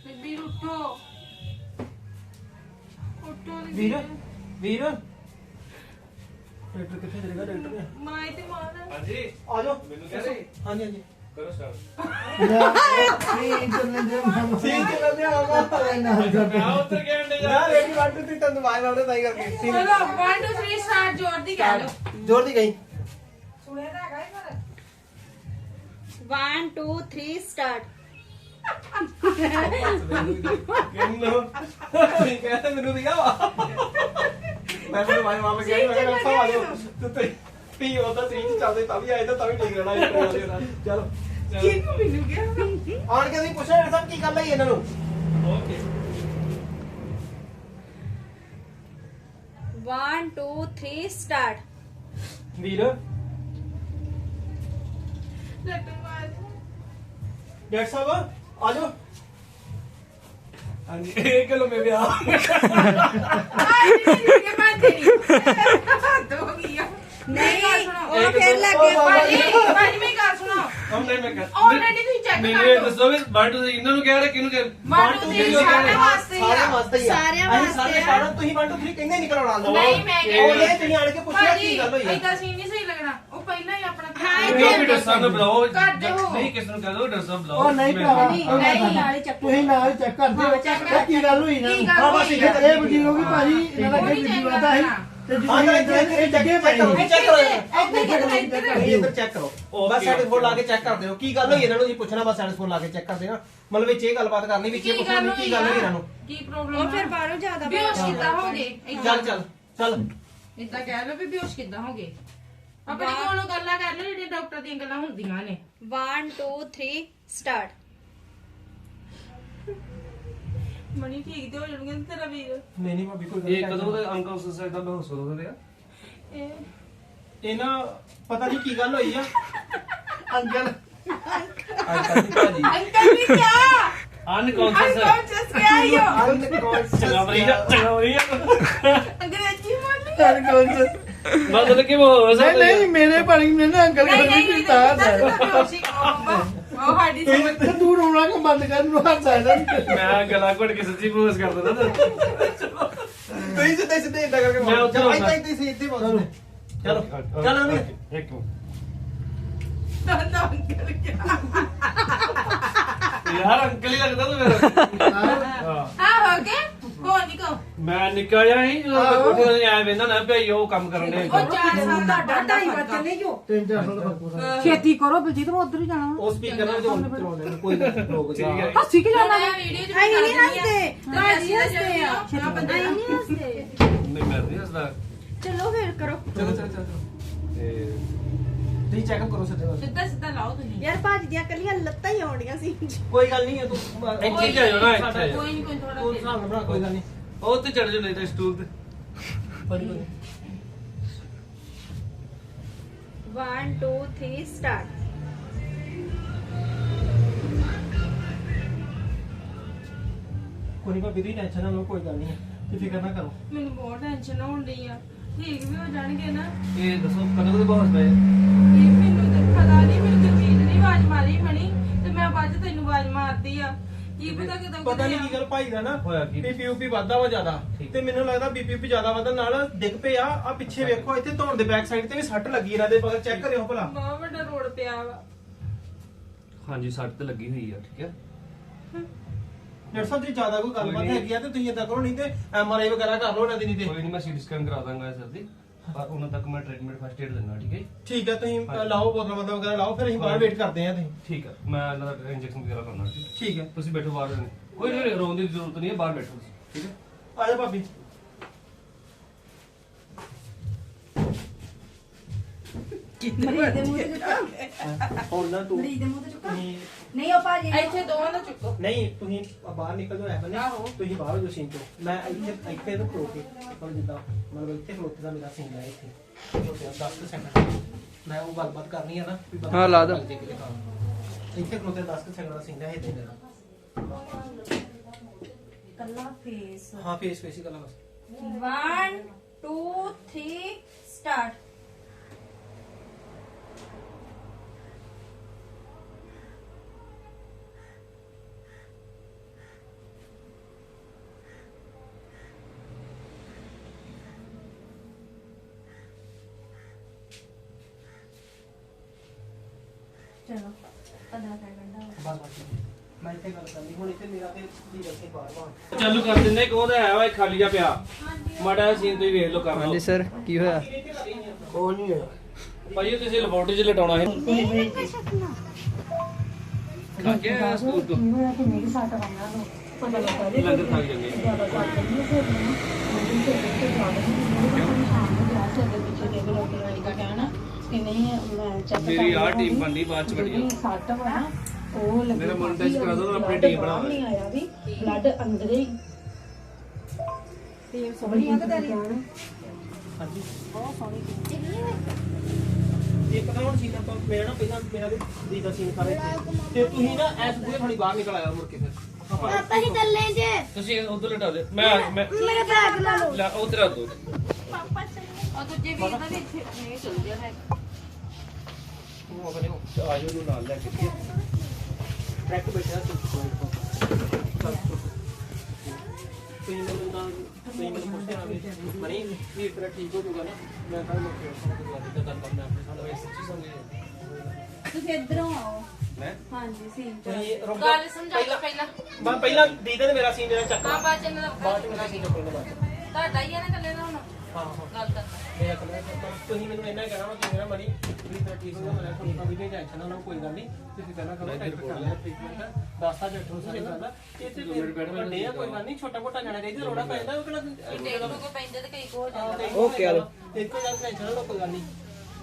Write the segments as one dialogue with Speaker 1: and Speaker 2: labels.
Speaker 1: ਵੀਰ ਉੱਠੋ ਉੱਠੋ
Speaker 2: ਵੀਰ ਵੀਰ ਡਾਕਟਰ ਕਿੱਥੇ ਚਲੇਗਾ ਡਾਕਟਰ ਨੇ
Speaker 1: ਮਾਈ ਤੇ ਮਾਰ
Speaker 3: ਹਾਂਜੀ
Speaker 2: ਆ ਜਾਓ
Speaker 3: ਮੈਨੂੰ ਕਹਿ ਰਹੇ
Speaker 2: ਹਾਂਜੀ ਹਾਂਜੀ
Speaker 3: ਕਰੋ ਸਟਾਰਟ
Speaker 2: ਠੀਕ ਚੱਲਦੇ ਆਵਾ ਨਾ
Speaker 3: ਮੈਂ ਉੱਤਰ ਕੇ ਅੰਡੇ
Speaker 2: ਯਾਰ ਰੈਡੀ 1 2 3 ਤੈਨੂੰ ਆਵਾਜ਼ ਮਾਰਦੇ ਤਾਂ ਹੀ ਕਰਕੇ
Speaker 1: ਚਲੋ 1 2 3 ਸਟਾਰਟ ਜ਼ੋਰ ਦੀ ਕਹਿ ਲਓ
Speaker 2: ਜ਼ੋਰ ਦੀ ਗਈ
Speaker 1: ਸੁਣਿਆ ਤਾਂ ਹੈਗਾ ਹੀ ਪਰ
Speaker 4: 1 2 3 ਸਟਾਰਟ
Speaker 2: ਕਿੰਨੋ ਤੁਸੀਂ ਕਹਿੰਦੇ ਮੈਨੂੰ ਦਿਆ ਵਾ ਮੈਂ ਤੁਹਾਨੂੰ ਆਵਾਜ਼ ਮਾਰ ਕੇ ਮੈਂ ਕਿਹਾ ਸਭ ਆ ਜਾਓ ਤੁਸੀਂ ਉਹਦਾ 3 ਚੱਲਦੇ ਤਾਂ ਵੀ ਆਏ ਤਾਂ ਵੀ ਠੀਕ ਰਹਿਣਾ ਚਲੋ
Speaker 1: ਕਿਹਨੂੰ ਮੈਨੂੰ ਗਿਆ
Speaker 2: ਆਣ ਕੇ ਤੁਸੀਂ ਪੁੱਛਿਆ ਸਭ ਕੀ ਗੱਲ ਹੈ ਇਹਨਾਂ ਨੂੰ
Speaker 3: ਓਕੇ
Speaker 4: 1 2 3 ਸਟਾਰਟ
Speaker 2: ਵੀਰ
Speaker 1: ਡਾਕਟਰ ਮਾਰ
Speaker 2: ਡਾਕਟਰ ਸਾਹਿਬ ਆ ਜਾਓ
Speaker 3: ਹਾਂਜੀ 1 ਕਿਲੋ ਮੈਂ ਵਿਆਹ
Speaker 1: ਕੇ ਮਾਰ ਤੇਰੀ ਦੋ ਗਿਆ
Speaker 4: ਨਹੀਂ
Speaker 1: ਸੁਣੋ
Speaker 4: ਉਹ ਫੇਰ ਲੱਗੇ
Speaker 1: ਭਾਜੀ ਭਾਜੀ ਮੇਰੀ ਗੱਲ ਸੁਣੋ
Speaker 3: ਹਮਨੇ ਮੈਂ ਕਰ
Speaker 1: ਆਲਰੇਡੀ ਤੁਸੀਂ ਚੈੱਕ
Speaker 3: ਮੈਨੂੰ
Speaker 1: ਕਰ
Speaker 3: ਇਹ
Speaker 1: ਲਓ
Speaker 3: ਦੱਸੋ ਵੀ 1 2 3 ਇਹਨਾਂ ਨੂੰ ਕਹਿ ਰਹੇ ਕਿਹਨੂੰ ਕਹਿ
Speaker 1: ਮਾਟੂ ਦੇ ਸਾਰੇ ਵਾਸਤੇ ਹੀ
Speaker 2: ਸਾਰੇ
Speaker 1: ਆ
Speaker 2: ਵਾਸਤੇ ਹੀ
Speaker 4: ਸਾਰਿਆਂ
Speaker 2: ਅਸੀਂ
Speaker 4: ਵਾਸਤੇ
Speaker 2: ਸਾਰੇ
Speaker 4: ਆ।
Speaker 2: ਸਾਰਾ ਤੁਸੀਂ 1 2 3 ਕਹਿੰਦੇ ਨਹੀਂ ਕਰਾਉਣਾ ਆਉਂਦਾ
Speaker 1: ਨਹੀਂ ਮੈਂ
Speaker 2: ਉਹ
Speaker 1: ਕਹਿੰਦੀ
Speaker 2: ਇਹ ਤੁਸੀਂ ਆਣ ਕੇ ਪੁੱਛਿਆ ਕੀ ਗੱਲ ਹੋਈ
Speaker 1: ਏਦਾਂ ਸੀ ਨਹੀਂ ਸਹੀ ਲੱਗਣਾ ਉਹ ਪਹਿਲਾਂ ਹੀ ਆਪਣਾ
Speaker 4: ਹਾਂ,
Speaker 3: ਜੋ ਵੀ ਡਰਸਾਂ ਨੂੰ ਬੁਲਾਓ
Speaker 1: ਕਰ ਦਿਓ।
Speaker 3: ਨਹੀਂ ਕਿਸ ਨੂੰ ਕਹਿ ਦੋ ਡਰਸਾਂ ਬੁਲਾਓ
Speaker 2: ਉਹ ਨਹੀਂ ਭਰਾਵਾ
Speaker 4: ਨਹੀਂ,
Speaker 2: ਉਹ
Speaker 4: ਨਹੀਂ, ਨਾਲ ਹੀ ਚੱਕੋ।
Speaker 2: ਤੁਸੀਂ ਨਾਲ ਹੀ ਚੈੱਕ ਕਰਦੇ ਹੋ
Speaker 1: ਹਾਂ, check ਕਰ।
Speaker 2: ਕੀ ਗੱਲ ਹੋਈ ਨਾ
Speaker 1: ਕੀ ਗੱਲ
Speaker 2: ਹਾਂ ਬਸ
Speaker 1: ਹੋਈ
Speaker 2: ਇਹ
Speaker 1: ਆ?
Speaker 2: ਇਹ ਬਜ਼ੁਰਗ ਵੀ ਭਾਜੀ ਇਹਨਾਂ ਦਾ
Speaker 1: ਉਹ
Speaker 2: ਕੋਈ
Speaker 1: ਨਹੀਂ
Speaker 2: ਵੀਡੀਓ
Speaker 1: check
Speaker 2: ਆਦਾ ਹੈ
Speaker 1: ਕਰਨਾ।
Speaker 2: ਤੇ ਜਦੋਂ ਇਹ ਜੱਗੇ ਪਏ ਚੈੱਕ ਕਰੋ ਇੱਧਰ ਚੈੱਕ ਕਰੋ ਬਸ ਸਾਡੇ ਫੋਨ ਲਾ ਕੇ ਚੈੱਕ ਕਰਦੇ ਹੋ ਕੀ ਗੱਲ ਹੋਈ ਇਹਨਾਂ ਨੂੰ ਜੀ ਪੁੱਛਣਾ ਬਸ ਸਾਡੇ ਫੋਨ ਲਾ ਕੇ ਚੈੱਕ ਕਰਦੇ ਨਾ ਮਤਲਬ ਵਿੱਚ ਇਹ ਗੱਲਬਾਤ ਕਰਨੀ ਵਿੱਚ ਇਹ ਪੁੱਛਣਾ ਵੀ ਕੀ ਗੱਲ ਹੋਈ ਇਹਨਾਂ ਨੂੰ
Speaker 1: ਕੀ ਪ੍ਰੋਬਲਮ
Speaker 4: ਉਹ ਫਿਰ ਬਾਹਰੋਂ ਜ਼ਿਆਦਾ
Speaker 1: ਬੇਹੋਸ਼ ਕਿੱਦਾਂ ਹੋ ਗਏ
Speaker 2: ਚੱਲ ਚੱਲ ਚੱਲ
Speaker 1: ਇਦਾਂ ਕਹਿ ਲਓ ਵੀ ਬੇਹੋਸ਼ ਕਿੱਦਾਂ ਹੋ ਗਏ ਆਪਣੇ ਕੋਲੋਂ ਗੱਲਾਂ ਕਰ ਲਓ ਜਿਹੜੀਆਂ ਡਾਕਟਰ ਦੀਆਂ ਗੱਲਾਂ ਹੁੰਦੀਆਂ ਨੇ
Speaker 4: 1 2 3 ਸਟਾਰਟ
Speaker 1: ਮਣੀ ਠੀਕ ਤੇ ਹੋ ਜਾਣਗੇ ਤੇਰਾ ਵੀਰ
Speaker 2: ਨਹੀਂ ਨਹੀਂ ਭਾਬੀ ਕੋਈ
Speaker 3: ਇਹ ਕਦੋਂ ਦੇ ਅੰਕਲ ਸੁਸਾਇਡ ਦਾ ਬਹੋਸ ਕਦੋਂ ਦੇ ਆ
Speaker 1: ਇਹ
Speaker 2: ਇਹ ਨਾ ਪਤਾ ਨਹੀਂ ਕੀ ਗੱਲ ਹੋਈ ਆ ਅੰਕਲ
Speaker 3: ਅੰਕਲ ਦੀ ਭਾਜੀ
Speaker 1: ਅੰਕਲ ਵੀ ਕਿਆ
Speaker 3: ਅਨਕੌਂਸ਼ੀਅਸ
Speaker 1: ਅਨਕੌਂਸ਼ੀਅਸ ਕਿਆ ਹੀ ਹੋ
Speaker 3: ਚੰਗਾ ਬਰੀਆ
Speaker 1: ਅੰਗਰੇਜ਼ੀ ਮੰਨ
Speaker 3: ਮਤਲਬ ਕਿ ਉਹ ਹੋ ਸਕਦਾ
Speaker 2: ਨਹੀਂ ਮੇਰੇ ਪਾਣੀ ਨੇ ਨਾ ਅੰਕਲ
Speaker 1: ਨਹੀਂ ਨਹੀਂ ਨਹੀਂ ਉਹ ਸਾਡੀ ਸਮਝ
Speaker 2: ਤੂੰ ਰੋਣਾ ਕਿ ਬੰਦ ਕਰ ਨੂੰ ਹੱਥ ਆਇਆ
Speaker 3: ਮੈਂ ਗਲਾ ਘੁੱਟ ਕੇ ਸੱਚੀ ਬਹੋਸ ਕਰ ਦਿੰਦਾ ਨਾ
Speaker 2: ਤੁਸੀਂ ਸਿੱਧੇ ਸਿੱਧੇ ਇੰਦਾ ਕਰਕੇ
Speaker 3: ਮੈਂ ਉੱਧਰ
Speaker 2: ਚਲੋ
Speaker 3: ਆਉਣਾ।
Speaker 2: ਇੱਥੇ ਸਿੱਧੇ ਬੋਲ ਚਲੋ ਚਲੋ ਅਮੀ
Speaker 3: ਇੱਕ ਮਿੰਟ
Speaker 1: ਨਾ ਅੰਕਲ ਕਿਆ
Speaker 3: ਯਾਰ ਅੰਕਲ ਹੀ ਲੱਗਦਾ ਤੂੰ ਮੇਰਾ ਹਾਂ
Speaker 1: ਹਾਂ ਹੋ ਗਏ ਕੌਣ ਨਿਕੋ
Speaker 3: ਮੈਂ ਨਿੱਕਾ ਜਿਹਾ ਹੀ ਜਦੋਂ ਕੋਠੇ ਤੇ ਆਇਆ ਵੇਂਦਾ ਨਾ ਭਈ ਉਹ ਕੰਮ ਕਰਨ ਦੇ
Speaker 1: ਉਹ 4 ਸਾਲ ਦਾ ਡਾਡਾ ਹੀ ਬੱਚੇ ਨੇ ਜੋ
Speaker 2: 3-4 ਸਾਲ ਦਾ ਫਰਕ
Speaker 5: ਛੇਤੀ ਕਰੋ ਬਲਜੀਤ ਮੈਂ ਉਧਰ ਹੀ ਜਾਣਾ
Speaker 2: ਉਹ ਸਪੀਕਰ ਨਾਲ ਜੋ ਚਲਾਉਂਦੇ ਨੇ ਕੋਈ ਲੋਕ
Speaker 3: ਠੀਕ ਹੈ
Speaker 5: ਹੱਸੀ ਕਿ ਜਾਣਾ
Speaker 1: ਮੈਂ ਵੀਡੀਓ ਚ
Speaker 4: ਆਈ ਨਹੀਂ ਹੱਸਦੇ ਭਾਜੀ ਹੱਸਦੇ ਆ
Speaker 1: ਛੇਤੀ
Speaker 4: ਆਈ ਨਹੀਂ ਹੱਸਦੇ
Speaker 3: ਨਹੀਂ ਮੈਂ ਨਹੀਂ ਹੱਸਦਾ
Speaker 4: ਚਲੋ ਫੇਰ ਕਰੋ
Speaker 2: ਚਲੋ ਚਲੋ ਚਲੋ
Speaker 3: ਤੇ
Speaker 2: ਤੁਸੀਂ ਚੈੱਕ ਕਰੋ ਸਿੱਧੇ ਬਸ
Speaker 1: ਸਿੱਧਾ ਸਿੱਧਾ ਲਾਓ ਤੁਸੀਂ
Speaker 4: ਯਾਰ ਭਾਜੀ ਦੀਆਂ ਕੱਲੀਆਂ ਲੱਤਾਂ ਹੀ ਆਉਂਦੀਆਂ ਸੀ
Speaker 2: ਕੋਈ ਗੱਲ ਨਹੀਂ ਹੈ ਤੂੰ
Speaker 3: ਇੱਥੇ ਹੀ ਜਾਇਓ ਨਾ, ਇੱਥੇ।
Speaker 1: ਕੋਈ ਨਹੀਂ ਕੋਈ ਥੋੜਾ
Speaker 2: ਤੂੰ ਹਿਸਾਬ ਨਾਲ ਬਣਾ ਕੋਈ ਗੱਲ ਨਹੀਂ
Speaker 3: ਉਹ ਤੇ ਚੜ ਜਾ ਨਹੀਂ ਤਾਂ ਸਟੂਲ ਤੇ
Speaker 2: ਬੜੀ ਕੋਈ
Speaker 4: 1 2 3 ਸਟਾਰਟ
Speaker 2: ਕੋਈ ਨਹੀਂ ਭਾਬੀ ਦੀ ਟੈਨਸ਼ਨ ਨਾ ਲਓ ਕੋਈ ਗੱਲ ਨਹੀਂ ਤੁਸੀਂ ਫਿਕਰ ਨਾ ਕਰੋ
Speaker 1: ਮੈਨੂੰ ਬਹੁਤ ਟੈਨਸ਼ਨ ਹੋਣ ਰਹੀ ਆ ਠੀਕ ਵੀ ਹੋ ਜਾਣਗੇ ਨਾ
Speaker 3: ਇਹ ਦੱਸੋ ਕਦੋਂ ਦੇ ਬਹੋਸ ਪਏ
Speaker 1: ਇਹ ਮੈਨੂੰ ਤਾਂ ਪਤਾ ਨਹੀਂ ਮੈਨੂੰ ਤਾਂ ਚੀਜ਼ ਨਹੀਂ ਆਵਾਜ਼ ਮਾਰੀ ਮਣੀ ਤੇ ਮੈਂ ਬਾਅਦ ਚ ਤੈਨੂੰ ਆਵਾਜ਼ ਮਾਰਦੀ ਆ ਕੀ ਪਤਾ ਕਿਦੋਂ
Speaker 2: ਪਤਾ ਨਹੀਂ ਕੀ ਗੱਲ ਭਾਈ ਦਾ ਨਾ
Speaker 3: ਹੋਇਆ ਕੀ?
Speaker 2: ਬੀਪੀ ਉਪੀ ਵੱਧਦਾ ਵਾ ਜ਼ਿਆਦਾ
Speaker 3: ਠੀਕ।
Speaker 2: ਤੇ ਮੈਨੂੰ ਲੱਗਦਾ ਬੀਪੀ ਉਪੀ ਜ਼ਿਆਦਾ ਵਧਣ ਨਾਲ ਡਿੱਗ ਪਏ ਆ ਪਿੱਛੇ ਵੇਖੋ ਇੱਥੇ ਧੌਣ ਦੇ ਬੈਕ ਸਾਈਡ ਤੇ ਵੀ ਸੱਟ ਲੱਗੀ ਇਹਨਾਂ ਦੇ ਬਗਲ ਚੈੱਕ ਕਰਿਓ ਭਲਾ
Speaker 1: ਬਹੁਤ ਵੱਡਾ ਰੋਡ ਪਿਆ ਵਾ
Speaker 3: ਹਾਂਜੀ ਸੱਟ ਤੇ ਲੱਗੀ ਹੋਈ ਆ ਠੀਕ ਹੈ
Speaker 2: ਡਾਕਟਰ ਸਾਹਿਬ ਜੀ ਜ਼ਿਆਦਾ ਕੋਈ ਗੱਲਬਾਤ
Speaker 3: ਕੋਈ ਨਹੀਂ।
Speaker 2: ਹੈਗੀ ਆ ਤੇ ਤੁਸੀਂ ਏਦਾਂ ਕਰੋ ਨਹੀਂ ਤੇ ਐਮਆਰਆਈ ਵਗੈਰਾ ਕਰ ਲਓ ਇਹਨਾਂ ਦੀ ਨਹੀਂ ਤੇ
Speaker 3: ਕੋਈ ਨਹੀਂ ਮੈਂ ਸੀਟੀ ਸਕੈਨ ਕਰਾ ਦਾਂਗਾ ਸਰ ਦੀ ਪਰ ਉਹਨਾਂ ਤੱਕ ਮੈਂ ਟ੍ਰੀਟਮੈਂਟ ਫਸਟ ਏਡ ਦਿੰਦਾ ਠੀਕ ਹੈ ਜੀ?
Speaker 2: ਠੀਕ ਹੈ ਤੁਸੀਂ
Speaker 3: ਹਾਂਜੀ।
Speaker 2: ਲਾਓ ਬੋਤਲ ਬੰਦਾ ਵਗੈਰਾ ਲਾਓ ਫਿਰ ਅਸੀਂ ਬਾਹਰ ਵੇਟ ਕਰਦੇ ਆ ਤੁਸੀਂ
Speaker 3: ਠੀਕ ਹੈ ਮੈਂ ਇਹਨਾਂ ਦਾ ਇੰਜੈਕਸ਼ਨ ਵਗੈਰਾ ਕਰਨਾ ਠੀਕ ਹੈ?
Speaker 2: ਠੀਕ ਹੈ
Speaker 3: ਤੁਸੀਂ ਬੈਠੋ ਬਾਹਰ ਕੋਈ ਨਹੀਂ ਰੋਣ ਦੀ ਜ਼ਰੂਰਤ ਨਹੀਂ ਹੈ ਬਾਹਰ ਬੈਠੋ ਤੁਸੀਂ ਠੀਕ ਹੈ
Speaker 2: ਆ ਜਾ ਭਾਬੀ
Speaker 5: ਮਰੀਜ਼ ਦੇ ਮੂੰਹ ਤੇ ਚੁੱਕਾ
Speaker 2: ਹੁਣ ਨਾ ਤੂੰ
Speaker 5: ਮਰੀਜ਼ ਦੇ ਮੂੰਹ ਤੇ ਚੁੱਕਾ
Speaker 2: ਤੁਸੀਂ-
Speaker 5: ਨਹੀਂ ਉਹ ਭਾਜੀ
Speaker 1: ਇੱਥੇ ਦੋਵਾਂ ਦਾ ਚੁੱਕੋ
Speaker 2: ਨਹੀਂ ਤੁਸੀਂ ਬਾਹਰ ਨਿਕਲ ਜਾਓ ਐ
Speaker 1: ਆਹੋ।
Speaker 2: ਤੁਸੀਂ ਬਾਹਰ ਹੋ ਜਾਓ ਸੀਨ ਤੋਂ ਮੈਂ ਇੱਥੇ ਤੋਂ ਖਲੋ ਕੇ ਮਤਲਬ ਜਿੱਦਾਂ ਮਤਲਬ ਇੱਥੇ ਖਲੋਤੇ ਦਾ ਮੇਰਾ ਸੀਨ ਹੈ ਇੱਥੇ ਖਲੋਤੇ ਦਾ 10 ਸੈਕਿੰਡ ਮੈਂ ਉਹ ਗੱਲਬਾਤ ਕਰਨੀ ਹੈ ਨਾ ਵੀ ਬੰਦਾ
Speaker 6: ਹਾਂ, ਲਾ ਦਿਓ।
Speaker 2: ਇੱਥੇ ਖਲੋਤੇ 10 ਸੈਕਿੰਡ ਦਾ ਸੀਨ ਹੈ ਇੱਥੇ ਮੇਰਾ
Speaker 5: ਕੱਲਾ ਫੇਸ
Speaker 2: ਹਾਂ ਫੇਸ ਫੇਸ ਹੀ ਗੱਲਾਂ ਬਸ
Speaker 4: 1 2 3 ਸਟਾਰਟ
Speaker 2: 1 2 3
Speaker 5: ਚਲੋ 15 ਸੈਕਿੰਡ ਦਾ
Speaker 2: ਬਸ ਮੈਂ ਇੱਥੇ ਗੱਲ ਕਰਨੀ ਹੁਣ ਇੱਥੇ ਮੇਰਾ ਤੇ ਕੀ ਦੱਸੇ ਬਾਰ-ਬਾਰ
Speaker 3: ਚਾਲੂ ਕਰ ਦਿੰਦੇ ਕਿ ਉਹਦਾ ਹੈ ਵਾ ਇੱਕ ਖਾਲੀ ਜਿਹਾ ਪਿਆ ਮਾੜਾ ਜਿਹਾ ਸੀਨ ਤੁਸੀਂ ਵੇਖ ਲਓ ਕਰ ਲਓ
Speaker 6: ਹਾਂਜੀ ਸਰ ਕੀ ਹੋਇਆ
Speaker 2: ਕੋਈ ਨਹੀਂ ਹੋਇਆ
Speaker 3: ਭਾਈ ਉਹ ਤੁਸੀਂ ਲੈਬੋਰਟਰੀ 'ਚ ਲਟਾਉਣਾ ਹੈ ਖਾ ਕੇ ਆਇਆ ਸਕੂਲ ਤੋਂ ਲੰਗਰ ਖਾ ਕੇ ਜਾਂਦੇ ਮੇਰੀ ਆਹ ਟੀਮ ਬਣਦੀ ਬਾਅਦ ਚ ਬੜੀ ਮੇਰਾ ਮੋਨਟਾਈਜ਼ ਕਰਾ ਦੋ ਆਪਣੀ ਟੀਮ ਬਣਾ
Speaker 5: ਨਹੀਂ ਆਇਆ ਵੀ ਬਲੱਡ ਅੰਦਰ ਹੀ ਟੀਮ ਸੋਹਣੀ ਆ ਕਿ ਤੇਰੀ
Speaker 2: ਹਾਂਜੀ
Speaker 5: ਬਹੁਤ ਸੋਹਣੀ
Speaker 2: ਇੱਕ ਤਾਂ ਹੁਣ ਸੀਨ ਆਪਾਂ ਮੇਰਾ ਨਾ ਪਹਿਲਾਂ ਮੇਰਾ ਵੀ ਦੀ ਦਾ ਸੀਨ ਕਰੇ ਤੇ ਤੁਸੀਂ ਨਾ ਐਸ ਬੂਹੇ ਥੋੜੀ ਬਾਹਰ ਨਿਕਲ ਆਇਆ ਮੁੜ ਕੇ ਫਿਰ
Speaker 4: ਪਾਪਾ ਹੀ ਚੱਲੇ ਜੇ
Speaker 3: ਤੁਸੀਂ ਉਧਰ ਲਟਾ ਦੇ ਮੈਂ
Speaker 4: ਮੇਰਾ ਬੈਗ ਲਾ ਲਓ
Speaker 3: ਲੈ ਉਧਰ ਆ ਦੋ
Speaker 1: ਪਾਪਾ ਚੱਲੇ ਆ ਦੂਜੇ ਵੀਰ ਦਾ ਵੀ ਇੱਥੇ ਨਹੀਂ ਚੱਲ ਗਿਆ ਹੈ
Speaker 2: ਉਹ ਆਪਣੇ
Speaker 3: ਆਜੋ ਨੂੰ ਨਾਲ ਲੈ ਕੇ
Speaker 2: ਟਰੈਕ ਬੈਠਾ ਤੁਸੀਂ ਮੈਨੂੰ ਪੁੱਛਦੇ ਆ ਮਨੀ ਵੀ ਤੇਰਾ ਠੀਕ ਹੋ ਜਾਊਗਾ ਨਾ ਮੈਂ ਕੱਲ ਮੁੜ ਕੇ ਤਾਂ ਗੱਲ ਕਰਨਾ ਆਪਣੇ ਸਾਡਾ ਇਸ ਚੀਜ਼ ਸੰਗੇ
Speaker 5: ਤੁਸੀਂ ਇੱਧਰੋਂ ਆਓ
Speaker 3: ਮੈਂ
Speaker 5: ਹਾਂਜੀ ਸੀਨ ਚ
Speaker 2: ਤੁਸੀਂ ਰੁਕ
Speaker 1: ਗੱਲ ਸਮਝਾ ਪਹਿਲਾਂ
Speaker 2: ਮੈਂ ਪਹਿਲਾਂ ਦੀਦੇ ਨੇ ਮੇਰਾ ਸੀਨ ਜਿਹੜਾ ਚੱਕ
Speaker 1: ਹਾਂ ਬਾਅਦ ਚ ਇਹਨਾਂ ਦਾ
Speaker 2: ਬਾਅਦ ਚ ਮੇਰਾ ਸੀਨ ਚੱਕੂਗਾ ਬਾਅਦ ਚ
Speaker 1: ਤੁਹਾਡਾ ਹੀ ਆ ਨਾ ਕੱਲੇ ਦਾ ਹੁਣ
Speaker 2: ਹਾਂ ਹਾਂ
Speaker 1: ਗੱਲ ਕਰਨਾ
Speaker 2: ਮੇਰਾ ਕਮਰਾ ਤੁਸੀਂ ਮੈਨੂੰ ਇੰਨਾ ਕਹਿਣਾ ਵਾ ਕਿ ਮੇਰਾ ਮਣੀ ਵੀ ਤੇਰਾ ਠੀਕ ਹੋ ਜਾਊਗਾ ਕੋਈ ਕੰਮ ਵੀ ਨਹੀਂ ਟੈਨਸ਼ਨ ਨਾ ਕੋਈ ਗੱਲ ਨਹੀਂ ਤੁਸੀਂ ਪਹਿਲਾਂ ਕਰੋ ਟੈਸਟ ਕਰ ਲਿਆ ਟ੍ਰੀਟਮੈਂਟ ਦੱਸਤਾ ਜੱਟੂ ਸਾਰੀ ਗੱਲ ਇੱਥੇ ਵੱਡੇ ਆ ਕੋਈ ਗੱਲ ਨਹੀਂ ਛੋਟਾ ਮੋਟਾ ਜਾਣਾ ਚਾਹੀਦਾ ਰੋੜਾ ਪੈਂਦਾ ਉਹ ਕਿਹੜਾ
Speaker 1: ਦੇਖ ਲਓ ਕੋਈ ਪੈਂਦੇ ਤੇ ਕਈ ਕੋ ਹੋ ਜਾਂਦਾ
Speaker 2: ਓਕੇ ਆ ਲੋ ਇੱਕੋ ਗੱਲ ਟੈਨਸ਼ਨ ਨਾ ਕੋਈ ਗੱਲ ਨਹੀਂ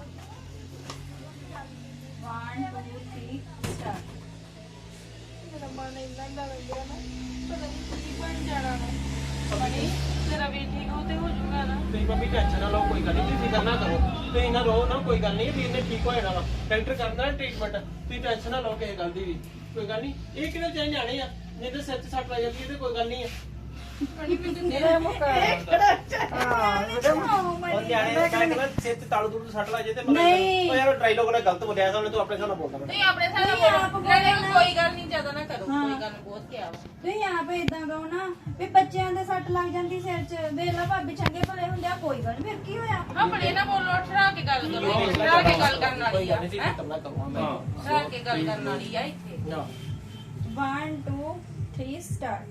Speaker 5: 1 2 3 ਸਟਾਰਟ
Speaker 1: ਮੇਰਾ ਮਨ ਇੰਨਾ ਦਾ ਲੱਗਿਆ ਨਾ ਪਤਾ ਨਹੀਂ ਕੀ ਬਣ ਜਾਣਾ ਨਾ ਮਣੀ ਤੇਰਾ ਵੀ ਠੀਕ ਹੋ ਤੇ ਹੋ ਜਾਊਗਾ ਨਾ
Speaker 2: ਤੁਸੀਂ ਮੰਮੀ ਟੈਨਸ਼ਨ ਨਾ ਲਓ ਕੋਈ ਗੱਲ ਨਹੀਂ ਤੁਸੀਂ ਫਿਕਰ ਨਾ ਕਰੋ ਤੁਸੀਂ ਨਾ ਰੋ ਨਾ ਕੋਈ ਗੱਲ ਨਹੀਂ ਵੀਰ ਨੇ ਠੀਕ ਹੋ ਜਾਣਾ ਵਾ ਡਾਕਟਰ ਕਰਦਾ ਟ੍ਰੀਟਮੈਂਟ ਤੁਸੀਂ ਟੈਨਸ਼ਨ ਨਾ ਲਓ ਕਿਸੇ ਗੱਲ ਦੀ ਵੀ ਕੋਈ ਗੱਲ ਨਹੀਂ ਇਹ ਕਿਹੜੇ ਚਾਹੇ ਜਾਣੇ ਆ ਨਹੀਂ ਤੇ ਸਿਰ 'ਚ ਸੱਟ ਲੱਗ ਜਾਂਦੀ ਹੈ ਤੇ ਕੋਈ ਗੱਲ ਨਹੀਂ ਆ
Speaker 1: ਮਣੀ ਮੈਨੂੰ ਤੇਰਾ ਮੁੱਕਾ
Speaker 2: ਔਰ ਨਿਆਣੇ ਕਹਿੰਦੇ ਸਿਰ 'ਚ ਤਾਲੂ ਤੂਲੂ ਸੱਟ ਲੱਗ ਜੇ ਤੇ
Speaker 5: ਨਹੀਂ।
Speaker 2: ਉਹ ਯਾਰ ਡਾਇਲੋਗ ਨੇ ਗਲਤ ਬੋਲਿਆ ਉਹਨੇ ਤੂੰ ਆਪਣੇ ਹਿਸਾਬ ਨਾਲ ਬੋਲਦਾ
Speaker 1: ਨਹੀਂ ਆਪਣੇ ਸਾਹਮਣੇ ਬੋਲੋ ਨਹੀਂ ਕੋਈ ਗੱਲ ਨਹੀਂ ਜ਼ਿਆਦਾ ਨਾ ਕਰੋ ਕੋਈ ਗੱਲ ਨੀ, ਬਹੁਤ ਕਿਹਾ ਵਾ
Speaker 5: ਤੁਸੀਂ ਆਪ ਇਦਾਂ ਕਹੋ ਨਾ ਵੀ ਬੱਚਿਆਂ ਦੇ ਸੱਟ ਲੱਗ ਜਾਂਦੀ ਸਿਰ 'ਚ ਵੇਖ ਲਾ ਭਾਬੀ ਚੰਗੇ ਭਲੇ ਹੁੰਦੇ ਆ ਕੋਈ ਗੱਲ ਨੀ, ਫਿਰ ਕੀ ਹੋਇਆ
Speaker 1: ਆਪਣੇ ਨਾ ਬੋਲੋ ਠਰਾ ਕੇ ਗੱਲ ਕਰੋ ਠਰਾ ਕੇ ਗੱਲ ਕਰਨ ਵਾਲੀ
Speaker 2: ਕੋਈ
Speaker 1: ਆ
Speaker 2: ਗੱਲ ਨਹੀਂ ਫਿਕਰ ਨਾ ਕਰੋ ਮੈਂ
Speaker 1: ਠਰਾ ਕੇ ਗੱਲ ਕਰਨ ਵਾਲੀ ਆ ਇੱਥੇ
Speaker 2: ਨਾ
Speaker 5: 1 2 3 ਸਟਾਰਟ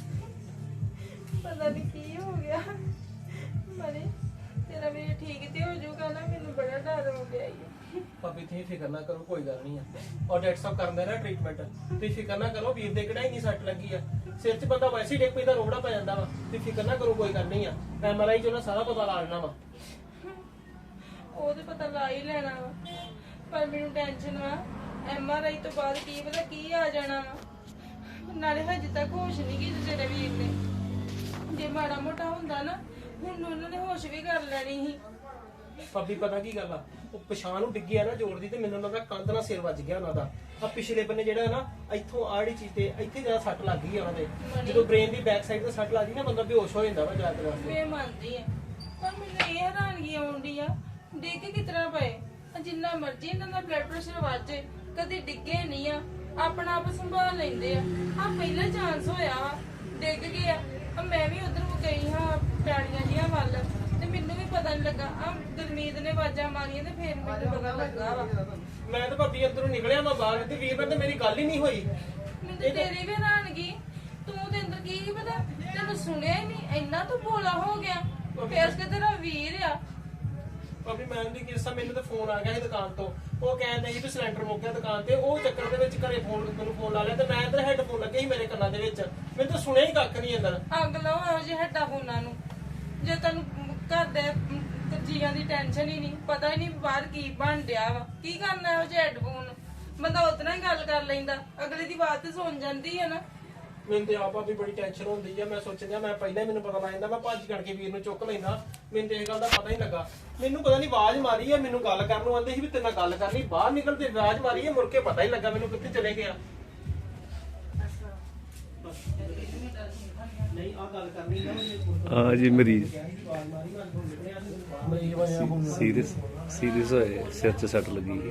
Speaker 1: ਪਤਾ ਨਹੀਂ ਕੀ ਹੋ ਗਿਆ ਮਣੀ ਤੇਰਾ ਵੀ ਠੀਕ ਤੇ ਹੋ ਜਾਊਗਾ ਨਾ ਮੈਨੂੰ ਬੜਾ ਡਰ ਹੋ ਗਿਆ ਈ।
Speaker 2: ਭਾਬੀ ਤੁਸੀਂ ਫਿਕਰ ਨਾ ਕਰੋ ਕੋਈ ਗੱਲ ਨਹੀਂ ਆ ਔਰ ਡਾਕਟਰ ਸਾਹਿਬ ਕਰਦੇ ਨਾ ਟ੍ਰੀਟਮੈਂਟ ਤੁਸੀਂ ਫਿਕਰ ਨਾ ਕਰੋ ਵੀਰ ਦੇ ਕਿਹੜਾ ਇੰਨੀ ਸੱਟ ਲੱਗੀ ਆ ਸਿਰ 'ਚ ਬੰਦਾ ਵੈਸੇ ਹੀ ਡਿੱਗ ਪੈਂਦਾ ਰੋੜਾ ਪੈ ਜਾਂਦਾ ਵਾ ਤੁਸੀਂ ਫਿਕਰ ਨਾ ਕਰੋ ਕੋਈ ਗੱਲ ਨਹੀਂ ਆ ਐਮਆਰਆਈ 'ਚ ਉਹਨਾਂ ਸਾਰਾ ਪਤਾ ਲਾ ਲੈਣਾ ਵਾ
Speaker 1: ਉਹ ਤੇ ਪਤਾ ਲਾ ਹੀ ਲੈਣਾ ਵਾ ਪਰ ਮੈਨੂੰ ਟੈਨਸ਼ਨ ਵਾ ਐਮਆਰਆਈ ਤੋਂ ਬਾਅਦ ਕੀ ਪਤਾ ਕੀ ਆ ਜਾਣਾ ਵਾ ਨਾਲੇ ਹਜੇ ਤੱਕ ਹੋਸ਼ ਨਹੀਂ ਗਈ ਤੇਰੇ ਵੀਰ ਨੇ ਜੇ ਮਾੜਾ ਮੋਟਾ ਹੁੰਦਾ ਨਾ ਹੁਣ ਉਹਨਾਂ ਨੇ ਹੋਸ਼ ਵੀ ਕਰ ਲੈਣੀ ਸੀ
Speaker 2: ਭਾਬੀ ਪਤਾ ਕੀ ਗੱਲ ਆ ਉਹ ਪਛਾਣ ਨੂੰ ਡਿੱਗਿਆ ਨਾ ਜੋੜ ਦੀ ਤੇ ਮੈਨੂੰ ਲੱਗਦਾ ਕੰਧ ਨਾਲ ਸਿਰ ਵੱਜ ਗਿਆ ਉਹਨਾਂ ਦਾ ਆ ਪਿਛਲੇ ਬੰਨੇ ਜਿਹੜਾ ਨਾ ਇੱਥੋਂ ਆੜੀ ਚੀਜ਼ ਤੇ ਇੱਥੇ ਜਿਹੜਾ ਸੱਟ ਲੱਗ ਗਈ ਆ ਉਹਨਾਂ ਦੇ ਜਦੋਂ ਬ੍ਰੇਨ ਦੀ ਬੈਕ ਸਾਈਡ ਤੇ ਸੱਟ ਲੱਗਦੀ ਨਾ ਬੰਦਾ ਬੇਹੋਸ਼ ਹੋ ਜਾਂਦਾ ਵਾ ਜ਼ਿਆਦਾ ਵਾਸਤੇ
Speaker 1: ਮੈਂ ਮੰਨਦੀ ਆ ਪਰ ਮੈਨੂੰ ਇਹ ਹੈਰਾਨਗੀ ਆਉਂਦੀ ਆ ਡਿੱਗ ਕਿਸ ਤਰ੍ਹਾਂ ਪਏ ਜਿੰਨਾ ਮਰਜ਼ੀ ਇਹਨਾਂ ਦਾ ਬਲੱਡ ਪ੍ਰੈਸ਼ਰ ਵੱਜੇ ਕਦੇ ਡਿੱਗੇ ਨਹੀਂ ਆ ਆਪਣਾ ਆਪ ਸੰਭਾਲ ਲੈਂਦੇ ਆ ਆ ਪਹਿਲਾ ਚਾਂਸ ਹੋਇਆ ਵਾ ਡਿੱਗ ਗਏ ਆ ਮੈਂ ਵੀ ਉਧਰ ਗਈ ਹਾਂ ਪੈੜੀਆਂ ਜੀਆਂ ਵੱਲ ਤੇ ਮੈਨੂੰ ਵੀ ਪਤਾ ਨਹੀਂ ਲੱਗਾ ਆ ਗੁਰਮੀਤ ਨੇ ਆਵਾਜ਼ਾਂ ਮਾਰੀਆਂ ਤੇ ਫੇਰ ਮੈਨੂੰ ਪਤਾ ਲੱਗਾ ਵਾ
Speaker 2: ਮੈਂ ਤਾਂ ਭਾਬੀ ਅੰਦਰੋਂ ਨਿਕਲਿਆ ਮੈਂ ਬਾਹਰ ਤੇ ਵੀਰ ਨਾਲ ਤੇ ਮੇਰੀ ਗੱਲ ਹੀ ਨਹੀਂ ਹੋਈ
Speaker 1: ਮੈਨੂੰ ਤੇ ਤੇਰੀ ਵੀ ਹੈਰਾਨਗੀ ਤੂੰ ਤੇ ਅੰਦਰ ਕੀ ਪਤਾ ਤੈਨੂੰ ਸੁਣਿਆ ਹੀ ਨਹੀਂ ਇੰਨਾ ਤੂੰ ਭੋਲਾ ਹੋ ਗਿਆ ਫੇਰ ਕਿ ਤੇਰਾ ਵੀਰ ਆ
Speaker 2: ਭਾਬੀ ਮੈਂ ਦੀ ਕਿਸਾ ਮੈਨੂੰ ਤਾਂ ਫੋਨ ਆ ਗਿਆ ਸੀ ਦੁਕਾਨ ਤੋਂ ਉਹ ਕਹਿੰਦੇ ਸੀ ਵੀ ਸਿਲੰਡਰ ਮੁੱਕ ਗਿਆ ਦੁਕਾਨ ਤੇ ਉਹ ਚੱਕਰ ਦੇ ਵਿੱਚ ਘਰੇ ਮੈਨੂੰ ਫੋਨ ਲਾ ਲਿਆ ਤੇ ਮੈਂ ਇੱਧਰ ਹੈੱਡਫੋਨ ਲੱਗੇ ਸੀ ਮੇਰੇ ਕੰਨਾਂ ਦੇ ਵਿੱਚ ਮੈਨੂੰ ਤਾਂ ਸੁਣਿਆ ਹੀ ਕੱਖ ਨਹੀਂ ਅੰਦਰ
Speaker 1: ਅੱਗ ਲਾਓ ਇਹੋ ਜਿਹੇ ਹੈਡਫੋਨਾਂ ਨੂੰ ਜੇ ਤੈਨੂੰ ਘਰ ਦੇ ਜੀਆਂ ਦੀ ਟੈਨਸ਼ਨ ਹੀ ਨਹੀਂ ਪਤਾ ਹੀ ਨਹੀਂ ਬਾਹਰ ਕੀ ਬਣ ਡਿਆ ਵਾ ਕੀ ਕਰਨਾ ਇਹੋ ਜਿਹੇ ਹੈਡਫੋਨ ਬੰਦਾ ਉਤਨਾ ਹੀ ਗੱਲ ਕਰ ਲੈਂਦਾ ਅਗਲੇ ਦੀ ਬਾਤ ਤੇ ਸੁਣ ਜਾਂਦੀ ਹੈ ਨਾ
Speaker 2: ਮੈਨੂੰ ਤੇ ਆਪਾ ਵੀ ਬੜੀ ਟੈਨਸ਼ਨ ਹੁੰਦੀ ਆ ਮੈਂ ਸੋਚਿਆ ਮੈਂ ਪਹਿਲਾਂ ਹੀ ਮੈਨੂੰ ਪਤਾ ਲੱਗ ਜਾਂਦਾ ਮੈਂ ਭੱਜ ਕਰਕੇ ਵੀਰ ਨੂੰ ਚੁੱਕ ਲੈਂਦਾ ਮੈਨੂੰ ਤੇ ਇਹ ਗੱਲ ਦਾ ਪਤਾ ਹੀ ਲੱਗਾ ਮੈਨੂੰ ਪਤਾ ਨਹੀਂ ਆਵਾਜ਼ ਮਾਰੀ ਆ ਮੈਨੂੰ ਗੱਲ ਕਰਨ ਨੂੰ ਆਂਦੇ ਸੀ ਵੀ ਤੇਰੇ ਨਾਲ ਗੱਲ ਕਰਨੀ ਬਾਹਰ ਨਿਕਲਦੇ ਆਵਾਜ਼ ਮਾਰੀ ਆ ਮੁੜ ਕੇ ਪਤਾ ਹੀ ਲੱਗਾ ਮੈਨੂੰ ਕਿੱਥੇ ਚਲੇ ਗਿਆ ਨਹੀਂ ਆ ਗੱਲ ਕਰਨੀ ਨਾ
Speaker 6: ਹਾਂ ਜੀ ਮਰੀਜ਼
Speaker 2: ਮਰੀਜ਼ ਬਣਿਆ ਹੁਣ
Speaker 6: ਸੀਰੀਅਸ ਹੋਏ ਸਿਰ 'ਚ ਸੱਟ ਲੱਗੀ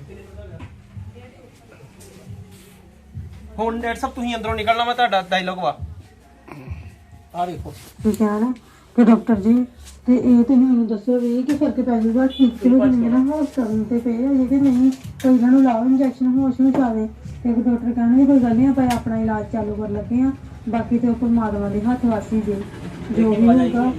Speaker 2: ਹੁਣ ਡਾਕਟਰ ਸਾਹਿਬ ਤੁਸੀਂ ਅੰਦਰੋਂ ਨਿਕਲਣਾ ਮੈਂ ਤੁਹਾਡਾ ਡਾਇਲੋਗ ਵਾ ਆ ਦੇਖੋ
Speaker 5: ਜਾਣਾ
Speaker 7: ਕਿ ਡਾਕਟਰ ਜੀ ਤੇ ਇਹ ਤੇ ਮੈਨੂੰ ਦੱਸੋ ਵੀ ਕਿ ਫਰਕ ਪੈ ਜਾਊਗਾ ਠੀਕ ਤੇ ਹੋ ਜਾਣਗੇ ਨਾ ਹਸਪਤਾਲ ਤੇ ਪਏ ਆ ਕਿ ਨਹੀਂ ਕੋਈ ਇਹਨਾਂ ਨੂੰ ਲਾਓ ਇੰਜੈਕਸ਼ਨ ਹੋਸ਼ ਵਿੱਚ ਆਵੇ ਤੇ ਇੱਕ ਡਾਕਟਰ ਕਹਿੰਦੇ ਕੋਈ ਗੱਲ ਨਹੀਂ ਆਪਾਂ ਆਪਣਾ ਇਲਾਜ ਚਾਲੂ ਕਰਨ ਲੱਗੇ ਆ ਬਾਕੀ ਤੇ ਉਹ ਪਰਮਾਤਮਾ ਦੇ ਹੱਥ ਵਾਸੀ ਦੇ ਜੋ ਵੀ ਹੋਊਗਾ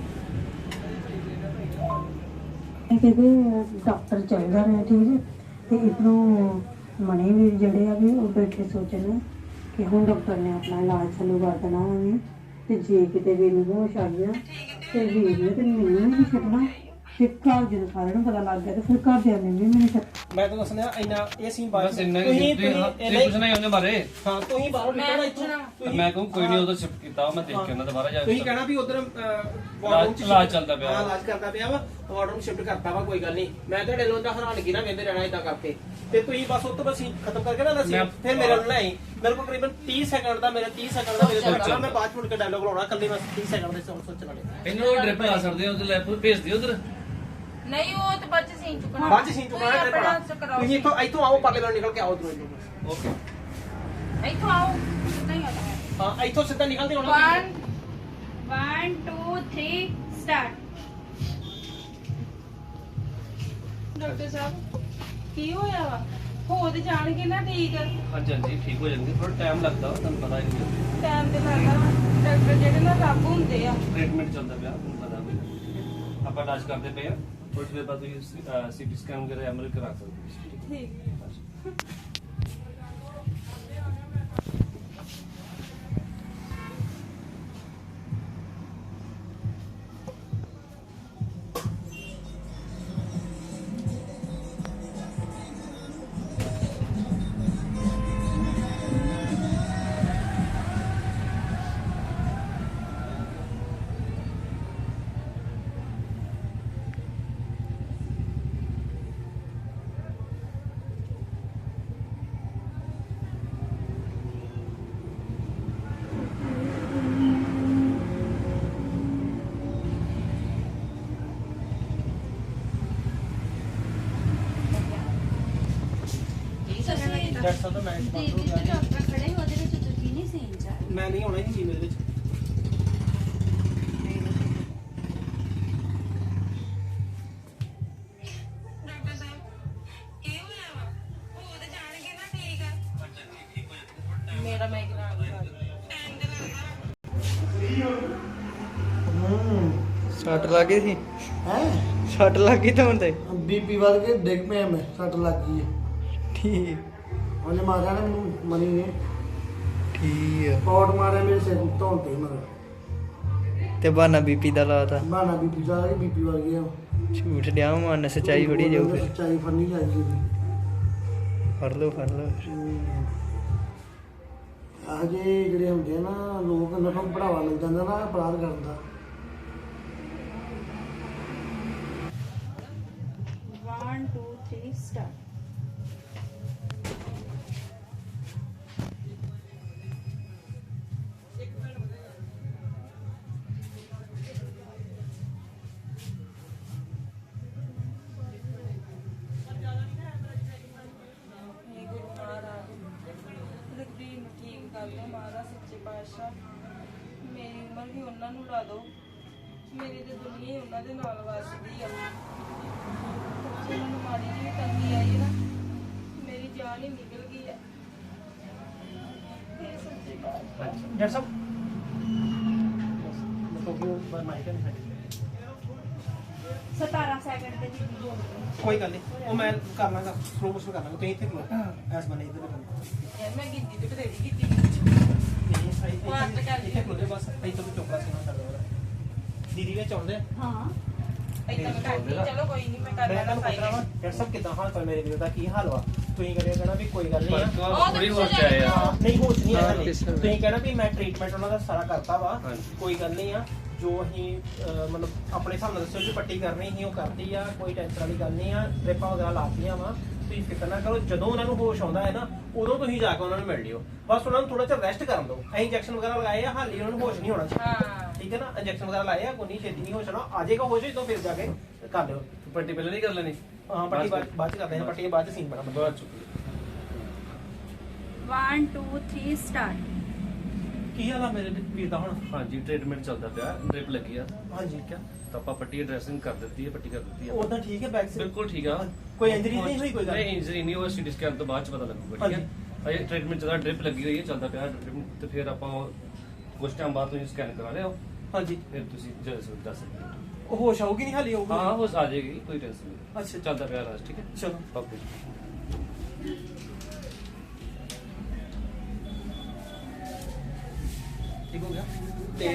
Speaker 7: ਇਹ ਕਹਿੰਦੇ ਡਾਕਟਰ ਚਾਹੀਦਾ ਨੇ ਠੀਕ ਹੈ ਤੇ ਇਧਰੋਂ ਮਣੀ ਵੀ ਜਿਹੜੇ ਆ ਵੀ ਉਹ ਬੈਠੇ ਸੋਚਣ ਕਿ ਹੁਣ ਡਾਕਟਰ ਨੇ ਆਪਣਾ ਇਲਾਜ ਚਾਲੂ ਕਰ ਦੇਣਾ ਉਹਨੇ ਤੇ ਜੇ ਕਿਤੇ ਵੀ ਨੂੰ ਹੋਸ਼ ਆ ਗਿਆ ਤੇ ਵੀਰ ਨੇ ਤੇ ਮੈਨੂੰ ਨਹੀਂ ਛੱਡਣਾ ਤੇ ਘਰ ਜਦੋਂ ਸਾਰਿਆਂ ਨੂੰ ਪਤਾ ਲੱਗ ਗਿਆ ਤੇ ਫਿਰ ਘਰਦਿਆਂ ਨੇ ਵੀ ਮੈਨੂੰ ਛੱਡ
Speaker 2: ਮੈਂ ਤਾਂ ਦੱਸਣਾ ਇੰਨਾ ਇਹ ਸੀਨ ਬਾਅਦ
Speaker 3: ਬਸ ਇੰਨਾ ਹੀ ਤੁਸੀਂ ਪੁੱਛਣਾ ਹੀ ਉਹਦੇ ਬਾਰੇ
Speaker 2: ਹਾਂ ਤੁਸੀਂ ਬਾਹਰੋਂ ਨਿਕਲਣਾ ਇੱਥੋਂ
Speaker 3: ਮੈਂ ਕਹੂੰ ਕੋਈ ਨਹੀਂ ਉਹਦਾ ਸ਼ਿਫਟ ਕੀਤਾ ਮੈਂ ਦੇਖ ਕੇ ਉਹਨਾਂ ਦੁਬਾਰਾ ਜਾ
Speaker 2: ਤੁਸੀਂ ਕਹਿਣਾ ਵੀ ਉਧਰ
Speaker 3: ਇਲਾਜ ਚੱਲਦਾ ਪਿਆ।
Speaker 2: ਹਾਂ ਇਲਾਜ ਕਰਦਾ ਪਿਆ ਵਾ ਵਾਰਡ ਨੂੰ ਸ਼ਿਫਟ ਕਰਤਾ ਵਾ ਕੋਈ ਗੱਲ ਨਹੀਂ ਮੈਂ ਤੁਹਾਡੇ ਲੋਂ ਦਾ ਹੈਰਾਨਗੀ ਨਾ ਵੇਂਦੇ ਰਹਿਣਾ ਇਦਾਂ ਕਰਕੇ ਤੇ ਤੁਸੀਂ ਬਸ ਉੱਤੋਂ ਬਸ ਖਤਮ ਕਰਕੇ ਨਾ ਦੱਸੀ ਫਿਰ ਮੇਰੇ ਨਾਲ ਲੈ ਮੇਰੇ ਕੋਲ ਤਕਰੀਬਨ 30 ਸੈਕਿੰਡ ਦਾ ਮੇਰੇ 30 ਸੈਕਿੰਡ ਦਾ ਮੇਰੇ ਕੋਲ ਚੱਲਣਾ ਮੈਂ ਬਾਅਦ ਚ ਮੁੜ ਕੇ ਡਾਇਲੋਗ ਲਾਉਣਾ ਕੱਲੀ ਮੈਂ 30 ਸੈਕਿੰਡ ਦੇ ਸੋਚ ਚਲਾਣੇ
Speaker 3: ਇਹਨੂੰ ਉਹ ਡ੍ਰਿਪ ਲਾ ਸਕਦੇ ਹੋ ਉਹਦੇ ਲੈ ਭੇਜ ਦਿਓ ਉਧਰ
Speaker 1: ਨਹੀਂ ਉਹ ਤੇ ਬੱਚ ਸੀਨ ਚੁੱਕਣਾ
Speaker 2: ਬਾਅਦ ਚ ਸੀਨ ਚੁਕਾਣਾ ਟ੍ਰਿਪ ਵਾਲਾ ਤੁਸੀਂ ਇੱਥੋਂ ਆਓ ਪਰਲੇ ਵੱਲ ਨਿਕਲ ਕੇ ਆਓ ਦੂਰ
Speaker 3: ਓਕੇ
Speaker 1: ਇੱਥੋਂ ਆਓ ਨਹੀਂ ਆਉਂਦਾ
Speaker 2: ਹਾਂ ਇੱਥੋਂ ਸਿੱਧਾ ਨਿਕਲਦੇ ਹੋਣਾ
Speaker 5: 1 2 3 ਸਟਾਰਟ।
Speaker 1: ਡਾਕਟਰ ਸਾਹਿਬ ਕੀ ਹੋਇਆ ਵਾ ਹੋ ਤੇ ਜਾਣਗੇ ਨਾ ਠੀਕ
Speaker 3: ਹਾਂਜੀ ਹਾਂਜੀ ਠੀਕ ਹੋ ਜਾਣਗੇ ਥੋੜਾ ਟਾਈਮ ਲੱਗਦਾ ਵਾ ਤੁਹਾਨੂੰ ਪਤਾ ਹੀ ਹੈ
Speaker 1: ਟਾਈਮ ਤੇ ਲੱਗਦਾ ਡਾਕਟਰ ਜਿਹੜੇ ਨਾ ਰੱਬ ਹੁੰਦੇ ਆ
Speaker 3: ਟ੍ਰੀਟਮੈਂਟ ਚੱਲਦਾ ਪਿਆ ਤੁਹਾਨੂੰ ਪਤਾ ਵੀ ਆਪਾਂ ਇਲਾਜ ਕਰਦੇ ਪਏ ਆ ਥੋੜੀ ਦੇਰ ਬਾਅਦ ਤੁਸੀਂ ਸੀਟੀ ਸਕੈਨ ਵਗੈਰਾ ਐਮਆਰਆਈ ਕਰਾ ਸਕਦੇ ਹੋ
Speaker 1: ਠੀਕ
Speaker 2: ਡਾਕਟਰ ਸਾਹਿਬ ਦਾ ਮੈਂ
Speaker 5: ਜਿੱਥੇ ਡਾਕਟਰ ਖੜੇ ਉਹਦੇ ਵਿੱਚ ਤੁਸੀਂ ਨਹੀਂ ਸੀਨ ਚ ਆਏ।
Speaker 2: ਮੈਂ ਨਹੀਂ ਆਉਣਾ ਹੀ ਸੀ ਮੇਰੇ ਵਿੱਚ
Speaker 1: ਡਾਕਟਰ ਸਾਹਿਬ ਕੀ ਹੋਇਆ ਵਾ ਹੋ ਤੇ ਜਾਣਗੇ ਨਾ ਠੀਕ ਮੇਰਾ ਮਾਈਗ੍ਰੇਨ ਟਾਈਮ ਤੇ ਲੱਗਦਾ
Speaker 8: ਸੱਟ ਲੱਗ ਗਈ ਸੀ
Speaker 9: ਹੈ
Speaker 8: ਸੱਟ ਲੱਗ ਗਈ ਤਾਂ ਤੇ
Speaker 9: ਬੀਪੀ ਵੱਧ ਕੇ ਡਿੱਗ ਪਿਆ ਮੈਂ ਸੱਟ ਲੱਗ ਗਈ ਹੈ
Speaker 8: ਠੀਕ
Speaker 9: ਉਹਨੇ ਮਾਰਿਆ ਨਾ ਮੈਨੂੰ ਮਨੀ ਨੇ
Speaker 8: ਠੀਕ ਆ
Speaker 9: ਪੌੜ ਮਾਰਿਆ ਮੇਰੇ ਸਿਰ ਧੌਣ ਤੇ ਮਗਰ
Speaker 8: ਤੇ ਬਹਾਨਾ ਬੀਪੀ ਦਾ ਲਾਤਾ
Speaker 9: ਬਾਣਾ ਬੀਪੀ ਦਾ ਕਿ ਬੀਪੀ ਵੱਧ ਗਿਆ
Speaker 8: ਝੂਠ ਡਿਆ ਮਨ ਸੱਚਾਈ ਫੜੀ ਜਾਊ ਫਿਰ
Speaker 9: ਸੱਚਾਈ ਫੜਨੀ ਚਾਹੀਦੀ ਸੀ
Speaker 8: ਫੜ ਲਓ
Speaker 9: ਆਹ ਜਿਹੜੇ ਹੁੰਦੇ ਆ ਨਾ ਲੋਕ ਇਹਨਾਂ ਨੂੰ ਬੜਾਵਾ ਮਿਲ ਜਾਂਦਾ ਨਾ ਅਪਰਾਧ ਕਰਨ ਦਾ
Speaker 5: 1 2 3 ਸਟਾਰਟ।
Speaker 1: ਇਹ ਗੁਰੂ ਮਹਾਰਾਜ ਰਗਵੀਰ ਨੂੰ ਠੀਕ ਕਰ ਦਿਓ ਮਹਾਰਾਜ ਸੱਚੇ ਪਾਤਸ਼ਾਹ ਮੇਰੀ ਉਮਰ ਵੀ ਉਹਨਾਂ ਨੂੰ ਲਾ ਦਿਓ ਮੇਰੀ ਤੇ ਦੁਨੀਆ ਹੀ ਉਹਨਾਂ ਦੇ ਨਾਲ ਵਸਦੀ ਆ ਸੱਚੇ ਮੈਨੂੰ ਮਾੜੀ ਜਿਹੀ ਤੰਗੀ ਆਈ ਨਾ ਮੇਰੀ ਜਾਨ ਹੀ ਨਿਕਲ ਗਈ ਆ ਇਹ ਸੱਚੇ ਪਾਤਸ਼ਾਹ
Speaker 2: ਡਾਕਟਰ ਸਾਹਿਬ ਮਤਲਬ ਕਿ ਮਾਈਕ ਨਹੀਂ ਸਾਡੀ
Speaker 5: 17 ਸੈਕਿੰਡ ਤੇ ਜੀ ਬੋਲ
Speaker 2: ਕੋਈ ਗੱਲ ਨਹੀਂ ਉਹ ਮੈਂ ਕਰ ਲਾਂਗਾ ਸਲੋ ਮੋਸ਼ਨ ਕਰ ਲਾਂਗਾ ਤੁਸੀਂ ਇੱਥੇ ਖਲੋ ਐਸ ਬਣੇ ਇੱਧਰ ਖਲੋ
Speaker 1: ਯਾਰ ਮੈਂ ਗਿਣਤੀ ਤੇ ਬਥੇਰੀ ਕੀਤੀ
Speaker 2: ਨਹੀਂ ਸਹੀ
Speaker 1: ਬਾਤ ਤਾਂ ਕਰ ਲਈ।
Speaker 2: ਇੱਥੇ ਖਲੋ ਜਾਓ ਬਸ ਇੱਥੇ ਤੋਂ ਚੋਪੜਾ ਸੀਨਾ ਕਰ ਦੋ ਦੀਦੀ ਵਿੱਚ ਆਉਂਦੇ ਆ
Speaker 5: ਹਾਂ
Speaker 1: ਏਦਾਂ ਮੈਂ ਕਰਦੀ ਚਲੋ ਕੋਈ ਨਹੀਂ ਮੈਂ ਕਰ
Speaker 2: ਮੈਂ
Speaker 1: ਲੈਣਾ
Speaker 2: ਤੁਹਾਨੂੰ ਪੁੱਛ ਰਿਹਾ ਵਾਂ ਡਾਕਟਰ ਸਾਹਿਬ ਕਿਦਾਂ ਹਾਲ ਚਾਲ ਮੇਰੇ ਵੀਰ ਦਾ ਕੀ ਹਾਲ ਵਾ ਤੁਸੀਂ ਕਰਿਆ ਕਹਿਣਾ ਵੀ ਕੋਈ ਗੱਲ ਨਹੀਂ ਆ
Speaker 3: ਥੋੜੀ ਹੋ ਜਾਏ ਆ
Speaker 2: ਨਹੀਂ ਹੋਸ਼ ਨਹੀਂ ਆਇਆ ਹਲੇ। ਤੁਸੀਂ ਕਹਿਣਾ ਵੀ ਮੈਂ ਟ੍ਰੀਟਮੈਂਟ ਉਹਨਾਂ ਦਾ ਸਾਰਾ ਕਰਤਾ ਵਾ
Speaker 3: ਹਾਂਜੀ।
Speaker 2: ਕੋਈ ਗੱਲ ਨਹੀਂ ਆ ਜੋ ਅਸੀਂ ਮਤਲਬ ਆਪਣੇ ਹਿਸਾਬ ਨਾਲ ਦੱਸੋ ਜੀ ਪੱਟੀ ਕਰਨੀ ਸੀ ਉਹ ਕਰਤੀ ਆ ਕੋਈ ਟੈਨਸ਼ਨ ਵਾਲੀ ਗੱਲ ਨਹੀਂ ਆ ਡ੍ਰਿਪਾਂ ਵਗੈਰਾ ਲਾਤੀਆਂ ਵਾ ਤੁਸੀਂ ਫਿਕਰ ਨਾ ਕਰੋ ਜਦੋਂ ਉਹਨਾਂ ਨੂੰ ਹੋਸ਼ ਆਉਂਦਾ ਹੈ ਨਾ ਉਦੋਂ ਤੁਸੀਂ ਜਾ ਕੇ ਉਹਨਾਂ ਨੂੰ ਮਿਲ ਲਿਓ ਬਸ ਉਹਨਾਂ ਨੂੰ ਥੋੜਾ ਜਿਹਾ ਰੈਸਟ ਕਰਨ ਦਿਓ ਅਸੀਂ ਇੰਜੈਕਸ਼ਨ ਵਗੈਰਾ ਲਗਾਏ ਆ ਹਾਲੀ ਉਹਨਾਂ ਨੂੰ ਹੋਸ਼ ਨਹੀਂ ਹੋਣਾ
Speaker 1: ਹਾਂ
Speaker 2: ਠੀਕ ਹੈ ਨਾ ਇੰਜੈਕਸ਼ਨ ਵਗੈਰਾ ਲਾਏ ਆ ਕੋਈ ਨਹੀਂ ਛੇਤੀ ਨਹੀਂ ਹੋਸ਼ ਆਉਣਾ ਆ ਜਾਏਗਾ ਹੋਸ਼ ਜਦੋਂ ਫਿਰ ਜਾ ਕੇ ਕਰ ਲਿਓ
Speaker 3: ਪੱਟੀ ਪਹਿਲਾਂ ਨਹੀਂ ਕਰ ਲੈਣੀ
Speaker 2: ਹਾਂ ਪੱਟੀ ਬਾਅਦ ਚ ਕਰਦੇ ਹਾਂ ਪੱਟੀ ਦੇ ਬਾਅਦ ਚ ਸੀਨ ਬਣਾ
Speaker 3: ਬਾਅਦ ਚ
Speaker 5: 1 2 3 ਸਟਾਰਟ।
Speaker 2: ਕੀ ਹਾਲ ਆ ਮੇਰੇ ਵੀਰ ਦਾ ਹੁਣ?
Speaker 3: ਹਾਂਜੀ ਟ੍ਰੀਟਮੈਂਟ ਚੱਲਦਾ ਪਿਆ, ਡ੍ਰਿਪ ਲੱਗੀ ਆ।
Speaker 2: ਹਾਂਜੀ
Speaker 3: ਠੀਕ ਆ, ਤਾਂ ਆਪਾਂ ਪੱਟੀ ਡ੍ਰੈਸਿੰਗ ਕਰ ਦਿੱਤੀ ਹੈ, ਪੱਟੀ ਕਰ ਦਿੱਤੀ ਹੈ।
Speaker 2: ਉਦਾਂ ਠੀਕ ਹੈ ਬੈਕ ਸੇ?
Speaker 3: ਬਿਲਕੁਲ ਠੀਕ ਆ।
Speaker 2: ਕੋਈ ਇੰਜਰੀ ਨਹੀਂ ਹੋਈ? ਕੋਈ ਗੱਲ
Speaker 3: ਨਹੀਂ, ਇੰਜਰੀ ਨਹੀਂ ਹੋਈ, ਸੀਟੀ ਸਕੈਨ ਤੋਂ ਬਾਅਦ ਚ ਪਤਾ ਲੱਗੂਗਾ। ਠੀਕ ਹੈ, ਅਜੇ ਟ੍ਰੀਟਮੈਂਟ ਚੱਲਦਾ, ਡ੍ਰਿਪ ਲੱਗੀ ਹੋਈ ਹੈ, ਚੱਲਦਾ ਪਿਆ treatment, ਤੇ ਫਿਰ ਆਪਾਂ ਕੁਝ ਟਾਈਮ ਬਾਅਦ ਤੁਸੀਂ ਸਕੈਨ ਕਰਾ ਲਿਓ।
Speaker 2: ਹਾਂਜੀ,
Speaker 3: ਫਿਰ ਤੁਸੀਂ ਦੱਸ ਸਕਦੇ ਹੋ।
Speaker 2: ਉਹ ਹੋਸ਼ ਆਊਗੀ ਨਹੀਂ ਹਾਲੀ ਆਊਗੀ?
Speaker 3: ਹਾਂ, ਉਹ ਆ ਜਾਏਗੀ, ਕੋਈ ਟੈਨਸ਼ਨ ਨਹੀਂ।
Speaker 2: ਅੱਛਾ,
Speaker 3: ਚੱਲਦਾ ਪਿਆ ਇਲਾਜ। ਠੀਕ ਹੈ,
Speaker 2: ਚਲੋ
Speaker 3: ਓਕੇ।
Speaker 2: ਠੀਕ ਹੋ ਗਿਆ। ਤੇ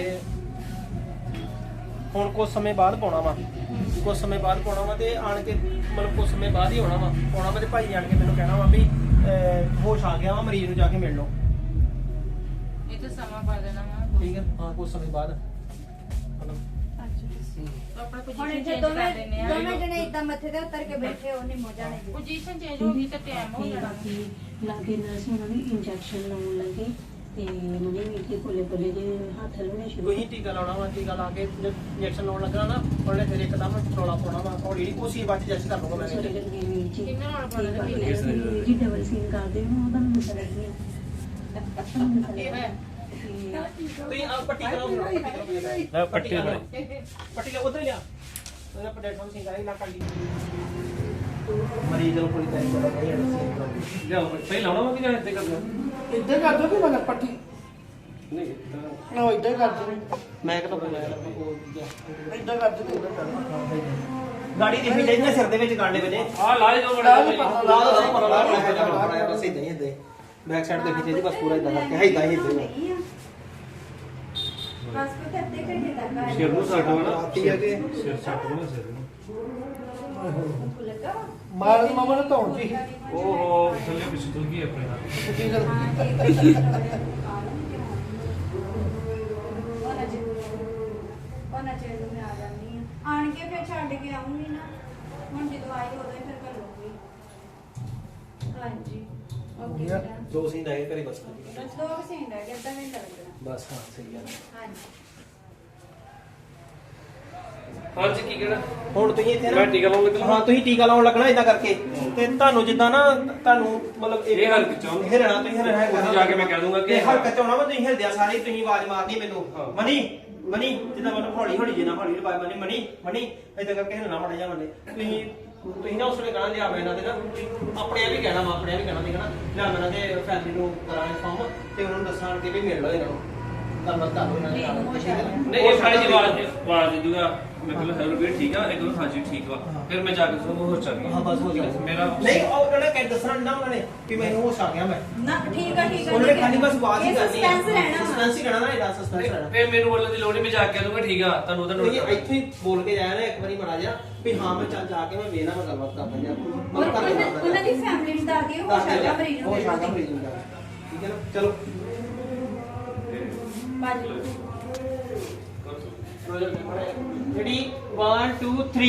Speaker 2: ਹੁਣ ਕੁਝ ਸਮੇਂ ਬਾਅਦ ਪਾਉਣਾ ਵਾ, ਕੁਝ ਸਮੇਂ ਬਾਅਦ ਪਾਉਣਾ ਵਾ, ਤੇ ਆਣ ਕੇ ਮਤਲਬ ਕੁਝ ਸਮੇਂ ਬਾਅਦ ਹੀ ਆਉਣਾ ਵਾ, ਪਾਉਣਾ ਵਾ, ਤੇ ਭਾਈ ਜਾਣ ਕੇ ਮੈਨੂੰ ਕਹਿਣਾ ਵਾ ਵੀ ਹੋਸ਼ ਆ ਗਿਆ ਵਾ, ਮਰੀਜ਼ ਨੂੰ ਜਾ ਕੇ ਮਿਲ ਲਓ।
Speaker 1: ਇਹ ਤਾਂ ਸਮਾਂ ਪਾ ਦੇਣਾ ਵਾ।
Speaker 2: ਠੀਕ ਹੈ, ਹਾਂ ਕੁਝ ਸਮੇਂ ਬਾਅਦ ਮਤਲਬ
Speaker 1: ਆਪਣਾ
Speaker 5: ਹੁਣ
Speaker 1: ਪੋਜੀਸ਼ਨ
Speaker 5: ਇੱਥੇ
Speaker 1: ਚੇਂਜ
Speaker 5: ਦੋਵੇਂ
Speaker 1: ਕਰ ਦਿੰਦੇ ਆ।
Speaker 5: ਦੋਵੇਂ ਜਣੇ ਇਦਾਂ ਮੱਥੇ ਤੇ ਉੱਤਰ ਕੇ ਬੈਠੇ ਹੋ ਨਹੀਂ ਮੋਜਾ ਨਹੀਂ।
Speaker 1: ਪੋਜੀਸ਼ਨ ਚੇਂਜ ਹੋ ਗਈ ਤਾਂ ਟਾਈਮ ਹੋ ਜਾਣਾ।
Speaker 7: ਲਾਗੇ ਨਰਸ ਉਹਨਾਂ ਨੇ ਇੰਜੈਕਸ਼ਨ ਲਾਉਣ ਲੱਗੇ ਤੇ ਮਨੇ ਵੀ ਕਿ ਕੋਲੇ ਕੋਲੇ ਜੇ ਹੱਥ ਲਾਉਣੇ ਸ਼ੁਰੂ
Speaker 2: ਕੋਈ ਟੀਕਾ ਲਾਉਣਾ ਵਾ, ਟੀਕਾ ਲਾ ਕੇ ਇੰਜੈਕਸ਼ਨ ਲਾਉਣ ਲੱਗਣਾ ਨਾ, ਉਹਨੇ ਫਿਰ ਇੱਕਦਮ ਰੌਲਾ ਪਾਉਣਾ ਵਾ, ਹੌਲੀ ਉਸੇ ਬਾਅਦ ਜੱਜ ਕਰ ਲੂੰਗਾ ਮੈਂ।
Speaker 7: ਸੋਰੇ ਲੱਗੇ ਵੀਰ ਜੀ
Speaker 1: ਕਿੰਨਾ ਨਾਲ ਪਾ ਦੇਣਾ
Speaker 7: ਜੀ ਡਬਲ ਸੀਨ ਕਰਦੇ ਹੋ ਉਹਦਾ ਮੈਨੂੰ ਪਤਾ ਨਹੀਂ
Speaker 1: ਇਹ ਹੈ
Speaker 2: ਤੁਸੀਂ ਆ ਪੱਟੀ ਕਰਾਓ,
Speaker 3: ਲੈ ਪੱਟੀ ਬਣੇ।
Speaker 2: ਪੱਟੀ ਲਾ ਉਧਰ ਲਿਆ, ਉਹਦਾ ਪਲੇਟਫਾਰਮ ਸਿੰਘ ਆਈ ਨਾ ਕੱਢੀ ਮਰੀਜ਼ ਨੂੰ ਕੋਈ ਟੈਨਸ਼ਨ ਨਹੀਂ ਹੈ।
Speaker 3: ਲਿਆਓ, ਪਹਿਲਾਂ ਲਾਉਣਾ ਵਾ ਕਿ ਜਾਂ ਇੱਥੇ ਕਰਨਾ?
Speaker 9: ਇੱਦਾਂ ਕਰ ਦੋ ਕਿ ਮੈਂ ਪੱਟੀ
Speaker 3: ਨਹੀਂ,
Speaker 9: ਨਾ ਇੱਦਾਂ ਕਰ ਦੋ,
Speaker 2: ਮੈਂ ਕਿਹਾ
Speaker 9: ਇੱਦਾਂ ਕਰ ਦੋ, ਇੱਦਾਂ ਕਰ ਦੋ।
Speaker 2: ਗਾੜੀ ਦੇਖੀ ਜਾਈਦੀ ਨਾ ਸਿਰ ਦੇ ਵਿੱਚ ਗਾਂਡੇ ਵਜੇ।
Speaker 3: ਆ ਲਾ ਜੋ ਬੜਾ
Speaker 2: ਲਾ ਦੋ ਪਰ ਲਾ ਬਸ ਇਦਾਂ ਹੀ ਇਦਾਂ ਬੈਕ ਸਾਈਡ ਦੇਖੀ ਚਾਹੀਦੀ, ਬਸ ਪੂਰਾ ਇਦਾਂ ਕਰਕੇ ਹੈ ਇਦਾਂ ਹੀ ਇਦਾਂ।
Speaker 5: ਬਸ ਕੋ ਤੇ ਅੱਧੇ ਘੰਟੇ ਤੱਕ ਆ
Speaker 3: ਸਿਰ ਨੂੰ ਸੱਟ ਹੋਣਾ,
Speaker 9: ਆਤੀ ਹੈ ਕਿ
Speaker 3: ਸਿਰ ਸੱਟ ਹੋਣਾ ਸਿਰ ਨੂੰ।
Speaker 5: ਲੱਗਾ
Speaker 9: ਮਾਰ ਮਾਮਾ ਨੇ ਧੌਣ ਜੀ
Speaker 3: ਓਹੋ, ਥੱਲੇ ਪਿੱਛੇ ਤੁਲ ਗਈ ਆਪਣੇ ਨਾਲ।
Speaker 9: ਕੀ ਕਰ
Speaker 5: ਉਹਨਾਂ ਚਿਰ ਨੂੰ ਮੈਂ ਆ ਜਾਂਦੀ ਆ, ਆਣ ਕੇ ਫਿਰ ਛੱਡ ਕੇ ਆਉਂਗੀ ਨਾ, ਹੁਣ ਜਦੋਂ ਆਈ ਉਦੋਂ ਹੀ ਫਿਰ ਕਰ ਲੂੰਗੀ। ਹਾਂਜੀ ਓਕੇ ਬੇਟਾ।
Speaker 2: ਦੋ ਸੀਨ ਆਏ ਕਰੇ ਬਸ
Speaker 5: ਬਸ 2 ਘੰਟੇ ਰਹਿ ਗਏ, ਅੱਧਾ ਘੰਟਾ ਲੱਗਣਾ।
Speaker 2: ਬਸ ਹਾਂ ਸਹੀ ਹੈ।
Speaker 5: ਹਾਂਜੀ
Speaker 3: ਹਾਂਜੀ, ਕੀ ਕਹਿਣਾ?
Speaker 2: ਹੁਣ ਤੁਸੀਂ ਇੱਥੇ
Speaker 3: ਮੈਂ ਟੀਕਾ ਲਾਉਣ ਲੱਗਾ।
Speaker 2: ਹਾਂ ਤੁਸੀਂ ਟੀਕਾ ਲਾਉਣ ਲੱਗਣਾ ਇਦਾਂ ਕਰਕੇ, ਤੇ ਤੁਹਾਨੂੰ ਜਿੱਦਾਂ ਨਾ ਤੁਹਾਨੂੰ ਮਤਲਬ
Speaker 3: ਇਹ ਹਲਕ ਚ ਆਉਣਾ।
Speaker 2: ਹਿਰਣਾ ਤੁਸੀਂ ਹਿਰਣਾ
Speaker 3: ਉੱਥੇ ਜਾ ਕੇ ਮੈਂ ਕਹਿ ਦੂੰਗਾ ਕਿ
Speaker 2: ਹਲਕਾ ਚ ਆਉਣਾ ਵਾ, ਤੁਸੀਂ ਹਿਰਦਿਆ ਸਾਰੇ ਤੁਸੀਂ ਆਵਾਜ਼ ਮਾਰਨੀ ਮੈਨੂੰ,
Speaker 3: ਹਾਂ।
Speaker 2: ਮਨੀ ਮਨੀ, ਜਿੱਦਾਂ ਮਤਲਬ ਹੌਲੀ ਹੌਲੀ ਜਿੰਨਾ ਹੌਲੀ ਆਵਾਜ਼ ਮਾਰਨੀ, ਮਨੀ ਮਨੀ ਇਦਾਂ ਕਰਕੇ ਹਿਰਣਾ ਮਾੜਾ ਜਿਹਾ ਮੰਨੇ। ਤੁਸੀਂ ਨਾ ਉਸ ਵੇਲੇ ਕਹਿਣਾ ਲਿਆ ਮੈਂ ਇਹਨਾਂ ਦੇ ਨਾ ਆਪਣੇ ਆਪ ਹੀ ਕਹਿਣਾ ਵਾ, ਆਪਣੇ ਆਪ ਹੀ ਕਹਿਣਾ ਲਿਆ ਮੈਂ ਇਹਨਾਂ ਦੇ ਫੈਮਿਲੀ ਨੂੰ ਕਰਾਂ ਇਨਫਾਰਮ, ਤੇ ਉਹਨਾਂ ਨੂੰ ਦੱਸਾਂ ਕਿ ਵੀ ਮਿਲ ਲਓ ਇਹਨਾਂ ਨੂੰ, ਗੱਲਬਾਤ ਕਰ ਲਓ ਇਹਨਾਂ ਨਾਲ।
Speaker 3: ਨਹੀਂ, ਇਹ ਸਾਰੀ ਜੀ ਆਵਾਜ਼ ਦੇ ਦੂਗਾ। ਮੈਂ ਕਹਿੰਦਾ ਹੈਲੋ ਵੀਰ ਠੀਕ ਆ, ਇਹ ਕਹਿੰਦਾ ਹਾਂਜੀ ਠੀਕ ਵਾ। ਫਿਰ ਮੈਂ ਜਾ ਕੇ ਤੁਹਾਨੂੰ ਹੋਰ ਚੱਲ
Speaker 2: ਹਾਂ ਬਸ ਹੋ ਗਿਆ
Speaker 3: ਮੇਰਾ
Speaker 2: ਨਹੀਂ, ਉਹ ਉਹਨਾਂ ਨੇ ਕਹਿ ਦੱਸਣਾ ਨਾ, ਉਹਨਾਂ ਨੇ ਕਿ ਮੈਨੂੰ ਹੋਸ਼ ਆ ਗਿਆ ਮੈਂ,
Speaker 5: ਨਾ ਠੀਕ ਆ ਠੀਕ ਆ।
Speaker 2: ਉਹਨਾਂ ਨੇ ਖਾਲੀ ਬਸ ਆਵਾਜ਼ ਹੀ
Speaker 5: ਇਹ
Speaker 2: ਕਰਨੀ ਹੈ,
Speaker 5: suspense ਰਹਿਣਾ ਵਾ।
Speaker 2: ਸਸਪੈਂਸ ਹੀ ਰਹਿਣਾ ਨਾ, ਇਹਦਾ ਸਸਪੈਂਸ ਰਹਿਣਾ।
Speaker 3: ਫਿਰ ਮੈਨੂੰ ਬੋਲਣ ਦੀ ਲੋੜ ਨਹੀਂ, ਮੈਂ ਜਾ ਕੇ ਦੂੰਗਾ ਠੀਕ ਆ, ਤੁਹਾਨੂੰ ਉਹਦਾ
Speaker 2: ਤੁਸੀਂ
Speaker 3: ਨੋਟ
Speaker 2: ਇੱਥੇ ਹੀ ਬੋਲ ਕੇ ਜਾਇਆ ਨਾ ਇੱਕ ਵਾਰੀ ਮਾੜਾ ਜਿਹਾ ਵੀ ਹਾਂ ਮੈਂ ਚੱਲ ਜਾ ਕੇ ਮੈਂ ਵੇਖਣਾ, ਮੈਂ ਗੱਲਬਾਤ ਕਰਦਾ ਜਾਂ ਮੈਂ ਕਰ ਲੈਂਦਾ
Speaker 5: ਉਹਨਾਂ ਦੀ ਫੈਮਿਲੀ ਨੂੰ ਦੱਸ ਦਿਓ, ਹੋ ਸਕਦਾ ਮਰੀਜ਼ ਨੂੰ
Speaker 2: ਹੋਸ਼ ਆ ਗਿਆ
Speaker 5: ਦੇ
Speaker 2: ਮਰੀਜ਼ ਨੂੰ ਜਾ ਕੇ। ਠੀਕ ਹੈ ਨਾ, ਚਲੋ
Speaker 5: ਬਾਜੀ
Speaker 2: ਰੈਡੀ 1 2 3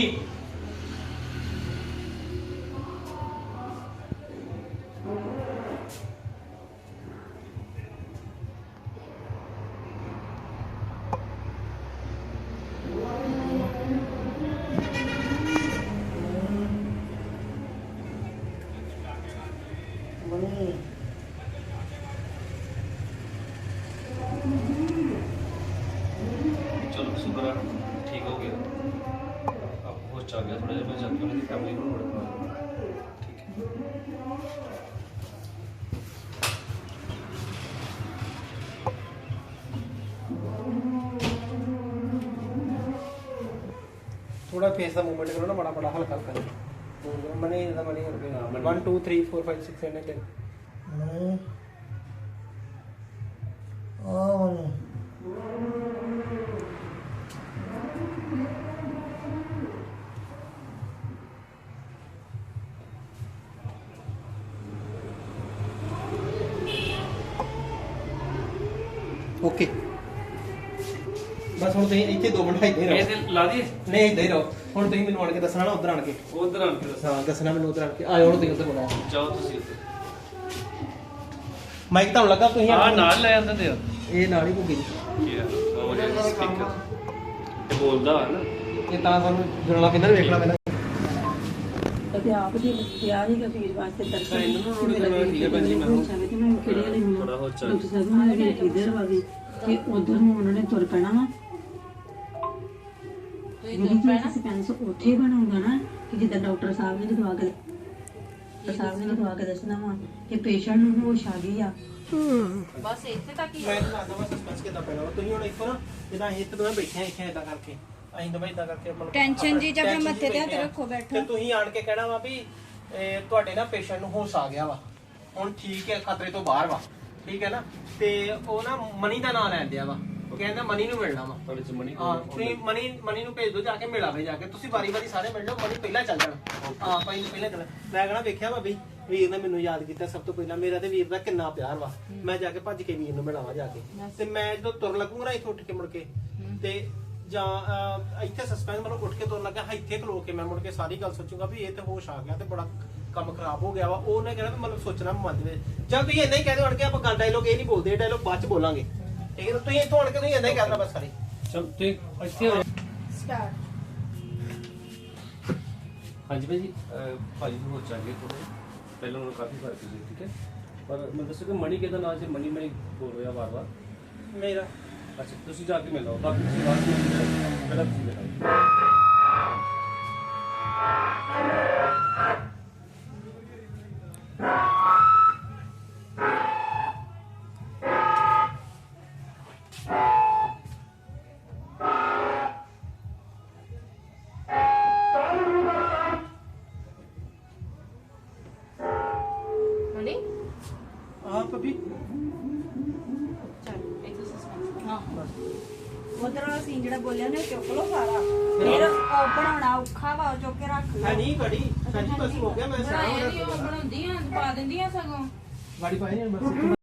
Speaker 3: ਚਲੋ ਸ਼ੁਕਰ ਆ ਠੀਕ ਹੋ ਗਿਆ। ਆਪ ਹੋਸ਼ ਚ ਆ ਗਿਆ ਥੋੜਾ ਜਿਹਾ, ਮੈਂ ਜਾ ਕੇ ਉਹਨਾਂ ਦੀ ਫੈਮਿਲੀ ਨੂੰ ਨੋਟ ਕਰਾ ਦੂੰਗਾ। ਠੀਕ ਹੈ।
Speaker 2: ਥੋੜਾ ਫੇਸ ਦਾ ਮੂਵਮੈਂਟ ਕਰੋ ਨਾ, ਬੜਾ ਬੜਾ ਹਲਕਾ ਹਲਕਾ ਮਨੀ ਦਾ ਮਨੀ 1 2 3 4 5 6 7 8
Speaker 9: ਮੈਂ ਆ
Speaker 2: ਓਕੇ ਬਸ ਹੁਣ ਤੁਸੀਂ ਇੱਥੇ 2 ਮਿੰਟ ਇੱਥੇ ਰਹੋ।
Speaker 3: ਇਹ ਤੇ ਲਾ ਦੀ
Speaker 2: ਨਹੀਂ ਇੱਥੇ ਹੀ ਰਹੋ। ਹੁਣ ਤੁਸੀਂ ਮੈਨੂੰ ਆਣ ਕੇ ਦੱਸਣਾ ਨਾ, ਉਧਰ ਆਣ ਕੇ।
Speaker 3: ਉਧਰ ਆਣ ਕੇ ਦੱਸ।
Speaker 2: ਹਾਂ ਦੱਸਣਾ ਮੈਨੂੰ ਉਧਰ ਆਣ ਕੇ। ਆਇਓ ਹੁਣ ਤੁਸੀਂ ਉੱਧਰ ਬੁਲਾਓ।
Speaker 3: ਜਾਓ ਤੁਸੀਂ ਉੱਧਰ।
Speaker 2: ਮਾਈਕ ਤੁਹਾਨੂੰ ਲੱਗਾ ਤੁਸੀਂ
Speaker 3: ਆ ਨਾਲ ਲੈ ਆਂਦੇ ਤੇ
Speaker 2: ਇਹ ਨਾਲ ਹੀ ਭੁੱਗੀ
Speaker 3: ਕੀ ਆ ਉਹ ਜਿਹੜਾ ਸਪੀਕਰ ਇਹ ਬੋਲਦਾ ਹੈ ਨਾ।
Speaker 2: ਇਹ ਤਾਂ ਸਾਨੂੰ ਜੁੜਨਾ ਪੈਂਦਾ, ਵੇਖਣਾ ਪੈਂਦਾ।
Speaker 7: ਤੇ ਆਪ ਦੀ ਤਿਆਰੀ ਦਾ ਫੀਸ ਵਾਸਤੇ
Speaker 3: ਤਾਂ ਇਹਨਾਂ ਨੂੰ ਨੋਟ ਕਰਨਾ ਠੀਕ ਹੈ ਭੈਣ ਜੀ, ਮੈਂ
Speaker 7: ਕਿਹੜੇ ਵਾਲੇ ਮੈਨੂੰ
Speaker 3: ਥੋੜਾ ਹੋਰ ਚੱਲ
Speaker 7: ਡਾਕਟਰ ਸਾਹਿਬ ਨੂੰ ਮੇਰੇ ਕਿਧਰ ਵਾਗੇ ਕਿ ਉਧਰ ਨੂੰ ਉਹਨਾਂ ਨੇ ਤੁਰ ਪੈਣਾ ਵਾ ਜਿਹੜੀ ਚੀਜ਼ ਸਸਪੈਂਸ ਉੱਥੇ ਹੀ ਬਣਾਉਂਦਾ ਨਾ ਕਿ ਜਿੱਦਾਂ ਡਾਕਟਰ ਸਾਹਿਬ ਨੇ ਜਦੋਂ ਆ ਕੇ ਦੱਸਣਾ ਵਾ ਕਿ ਪੇਸ਼ੈਂਟ ਨੂੰ ਹੋਸ਼ ਆ ਗਈ ਆ
Speaker 1: ਬਸ ਇੱਥੇ ਤੱਕ ਹੀ
Speaker 2: ਮੈਂ ਤਾਂ ਦੱਸਦਾ ਵਾ ਸਸਪੈਂਸ ਕਿੱਦਾਂ ਪੈਣਾ ਵਾ। ਤੁਸੀਂ ਹੁਣ ਇੱਥੋਂ ਨਾ ਜਿੱਦਾਂ ਅਸੀਂ ਇੱਥੇ ਦੋਵੇਂ ਬੈਠੇ ਆ ਇੱਥੇ ਇਦਾਂ ਕਰਕੇ ਅਸੀਂ ਦੋਵੇਂ ਇਦਾਂ ਕਰਕੇ ਮਤਲਬ
Speaker 5: ਟੈਨਸ਼ਨ ਜੀ ਜਾਂ ਫਿਰ
Speaker 2: tension
Speaker 5: ਮੱਥੇ ਤੇ ਹੱਥ
Speaker 2: ਬੈਠੇ ਆ।
Speaker 5: ਰੱਖੋ, ਬੈਠੋ।
Speaker 2: ਤੇ ਤੁਸੀਂ ਆਣ ਕੇ ਕਹਿਣਾ ਵਾ ਵੀ ਤੁਹਾਡੇ ਨਾ ਪੇਸ਼ੈਂਟ ਨੂੰ ਹੋਸ਼ ਆ ਗਿਆ ਵਾ ਹੁਣ ਠੀਕ ਹੈ ਖਤਰੇ ਤੋਂ ਬਾਹਰ ਵਾ ਠੀਕ ਹੈ ਨਾ ਤੇ ਉਹ ਨਾ ਮਨੀ ਦਾ ਨਾਂ ਲੈਣ ਦਿਆ ਵਾ ਉਹ ਕਹਿੰਦਾ ਮਨੀ ਨੂੰ ਮਿਲਣਾ ਵਾ
Speaker 3: ਤੁਹਾਡੇ ਚ ਮਣੀ
Speaker 2: ਹਾਂ ਤੁਸੀਂ ਮਨੀ ਨੂੰ ਭੇਜ ਦਿਓ ਜਾ ਕੇ ਮਿਲਾਵੇ ਜਾ ਕੇ ਤੁਸੀਂ ਵਾਰੀ ਸਾਰੇ ਮਿਲ ਜਾਓ ਮਨੀ ਪਹਿਲਾਂ ਚੱਲ ਜਾਣਾ ਹਾਂ ਪਹਿਲਾਂ ਚੱਲ ਮੈਂ ਕਹਣਾ ਵੇਖਿਆ ਵਾ ਬਈ ਵੀਰ ਨੇ ਮੈਨੂੰ ਯਾਦ ਕੀਤਾ ਸਭ ਤੋਂ ਪਹਿਲਾਂ ਮੇਰਾ ਤੇ ਵੀਰ ਦਾ ਕਿੰਨਾ ਪਿਆਰ ਵਾ ਮੈਂ ਜਾ ਕੇ ਭੱਜ ਕੇ ਵੀਰ ਨੂੰ ਮਿਲਾਵਾਂ ਜਾ ਕੇ ਤੇ ਮੈਂ ਜਦੋਂ ਤੁਰ ਲੱਗੂਗਾ ਨਾ ਇੱਥੋਂ ਉੱਠ ਕੇ ਮੁੜ ਕੇ ਤੇ ਜਾਂ ਇੱਥੇ ਸਸਪੈਂਸ ਮਤਲਬ ਉੱਠ ਕੇ ਤੁਰ ਲੱਗਾ ਇੱਥੇ ਖਲੋ ਕੇ ਮੈਂ ਮੁੜ ਕੇ ਸਾਰੀ ਗੱਲ ਸੋਚੂਗਾ ਵੀ ਇਹ ਤੇ ਹੋਸ਼ ਆ ਗਿਆ ਤੇ ਬੜਾ ਕੰਮ ਖਰਾਬ ਹੋ ਗਿਆ ਵਾ ਉਹਨੇ ਕਹਿਣਾ ਵੀ ਮਤਲਬ ਸੋਚਣਾ ਮਨ ਦੇ ਵਿੱਚ ਜਦ ਤੁਸੀਂ ਇੰਨਾ ਹੀ ਕਹਿ ਦਿਓ ਅੜ ਕੇ ਆਪਾਂ ਗੱਲ ਡਾਇਲੋਗ ਇਹ ਨਹੀਂ ਬੋਲਦੇ ਇਹ ਡਾਇਲੋਗ ਬਾਅਦ ਚ ਬੋਲਾਂਗੇ ਠੀਕ ਹੈ ਤੁਸੀਂ ਇੱਥੋਂ ਅੜ ਕੇ ਤੁਸੀਂ ਇੰਨਾ ਹੀ ਕਹਿਣਾ ਬਸ ਸਾਰੇ
Speaker 3: ਚਲ ਤੇ ਇੱਥੇ ਹੋ ਜਾ।
Speaker 5: ਸਟਾਰਟ।
Speaker 3: ਹਾਂਜੀ ਭਾਈ ਜੀ ਭਾਜੀ ਨੂੰ ਹੋ ਚਾਹੀਏ ਥੋੜਾ ਪਹਿਲਾਂ ਉਹਨੂੰ ਕਾਫੀ ਫਰਕ ਸੀ ਠੀਕ ਹੈ ਪਰ ਮੈਂ ਦੱਸਿਆ ਕਿ ਮਣੀ ਕਿਹਦਾ ਨਾਂ ਸੀ ਮਣੀ ਬੋਲ ਰਿਹਾ ਵਾਰ-ਵਾਰ
Speaker 2: ਮੇਰਾ
Speaker 3: ਅੱਛਾ ਤੁਸੀਂ ਜਾ ਕੇ ਮਿਲੋ ਬਾਕੀ ਤੁਸੀਂ ਬਾਅਦ ਵਿੱਚ ਪਹਿਲਾਂ ਤੁਸੀਂ ਮਿਲੋ
Speaker 1: ਮਨੀ
Speaker 2: ਹਾਂ ਪੱਪੀ
Speaker 1: ਚੱਲ ਇੱਕ ਸਸਪੈਂਸ ਹਾਂ
Speaker 5: ਉਧਰ ਵਾਲਾ ਸੀਨ ਜਿਹੜਾ ਬੋਲਿਆ ਨੇ ਚੁੱਕ ਲਓ ਸਾਰਾ ਫਿਰ ਉਹ ਬਣਾਉਣਾ ਔਖਾ ਵਾ ਉਹ ਚੁੱਕ ਕੇ ਰੱਖ ਲਓ
Speaker 2: ਹੈ ਨਹੀਂ ਕੜੀ ਸੱਚੀ ਬਸ ਹੋ ਗਿਆ ਮੈਂ
Speaker 1: ਬਣਾਇਆ ਨਹੀਂ ਉਹ ਬਣਾਉਂਦੀਆਂ ਪਾ ਦਿੰਦੀਆਂ ਸਗੋਂ
Speaker 2: ਗਾੜੀ ਪਾਈ ਨਹੀਂ ਬਸ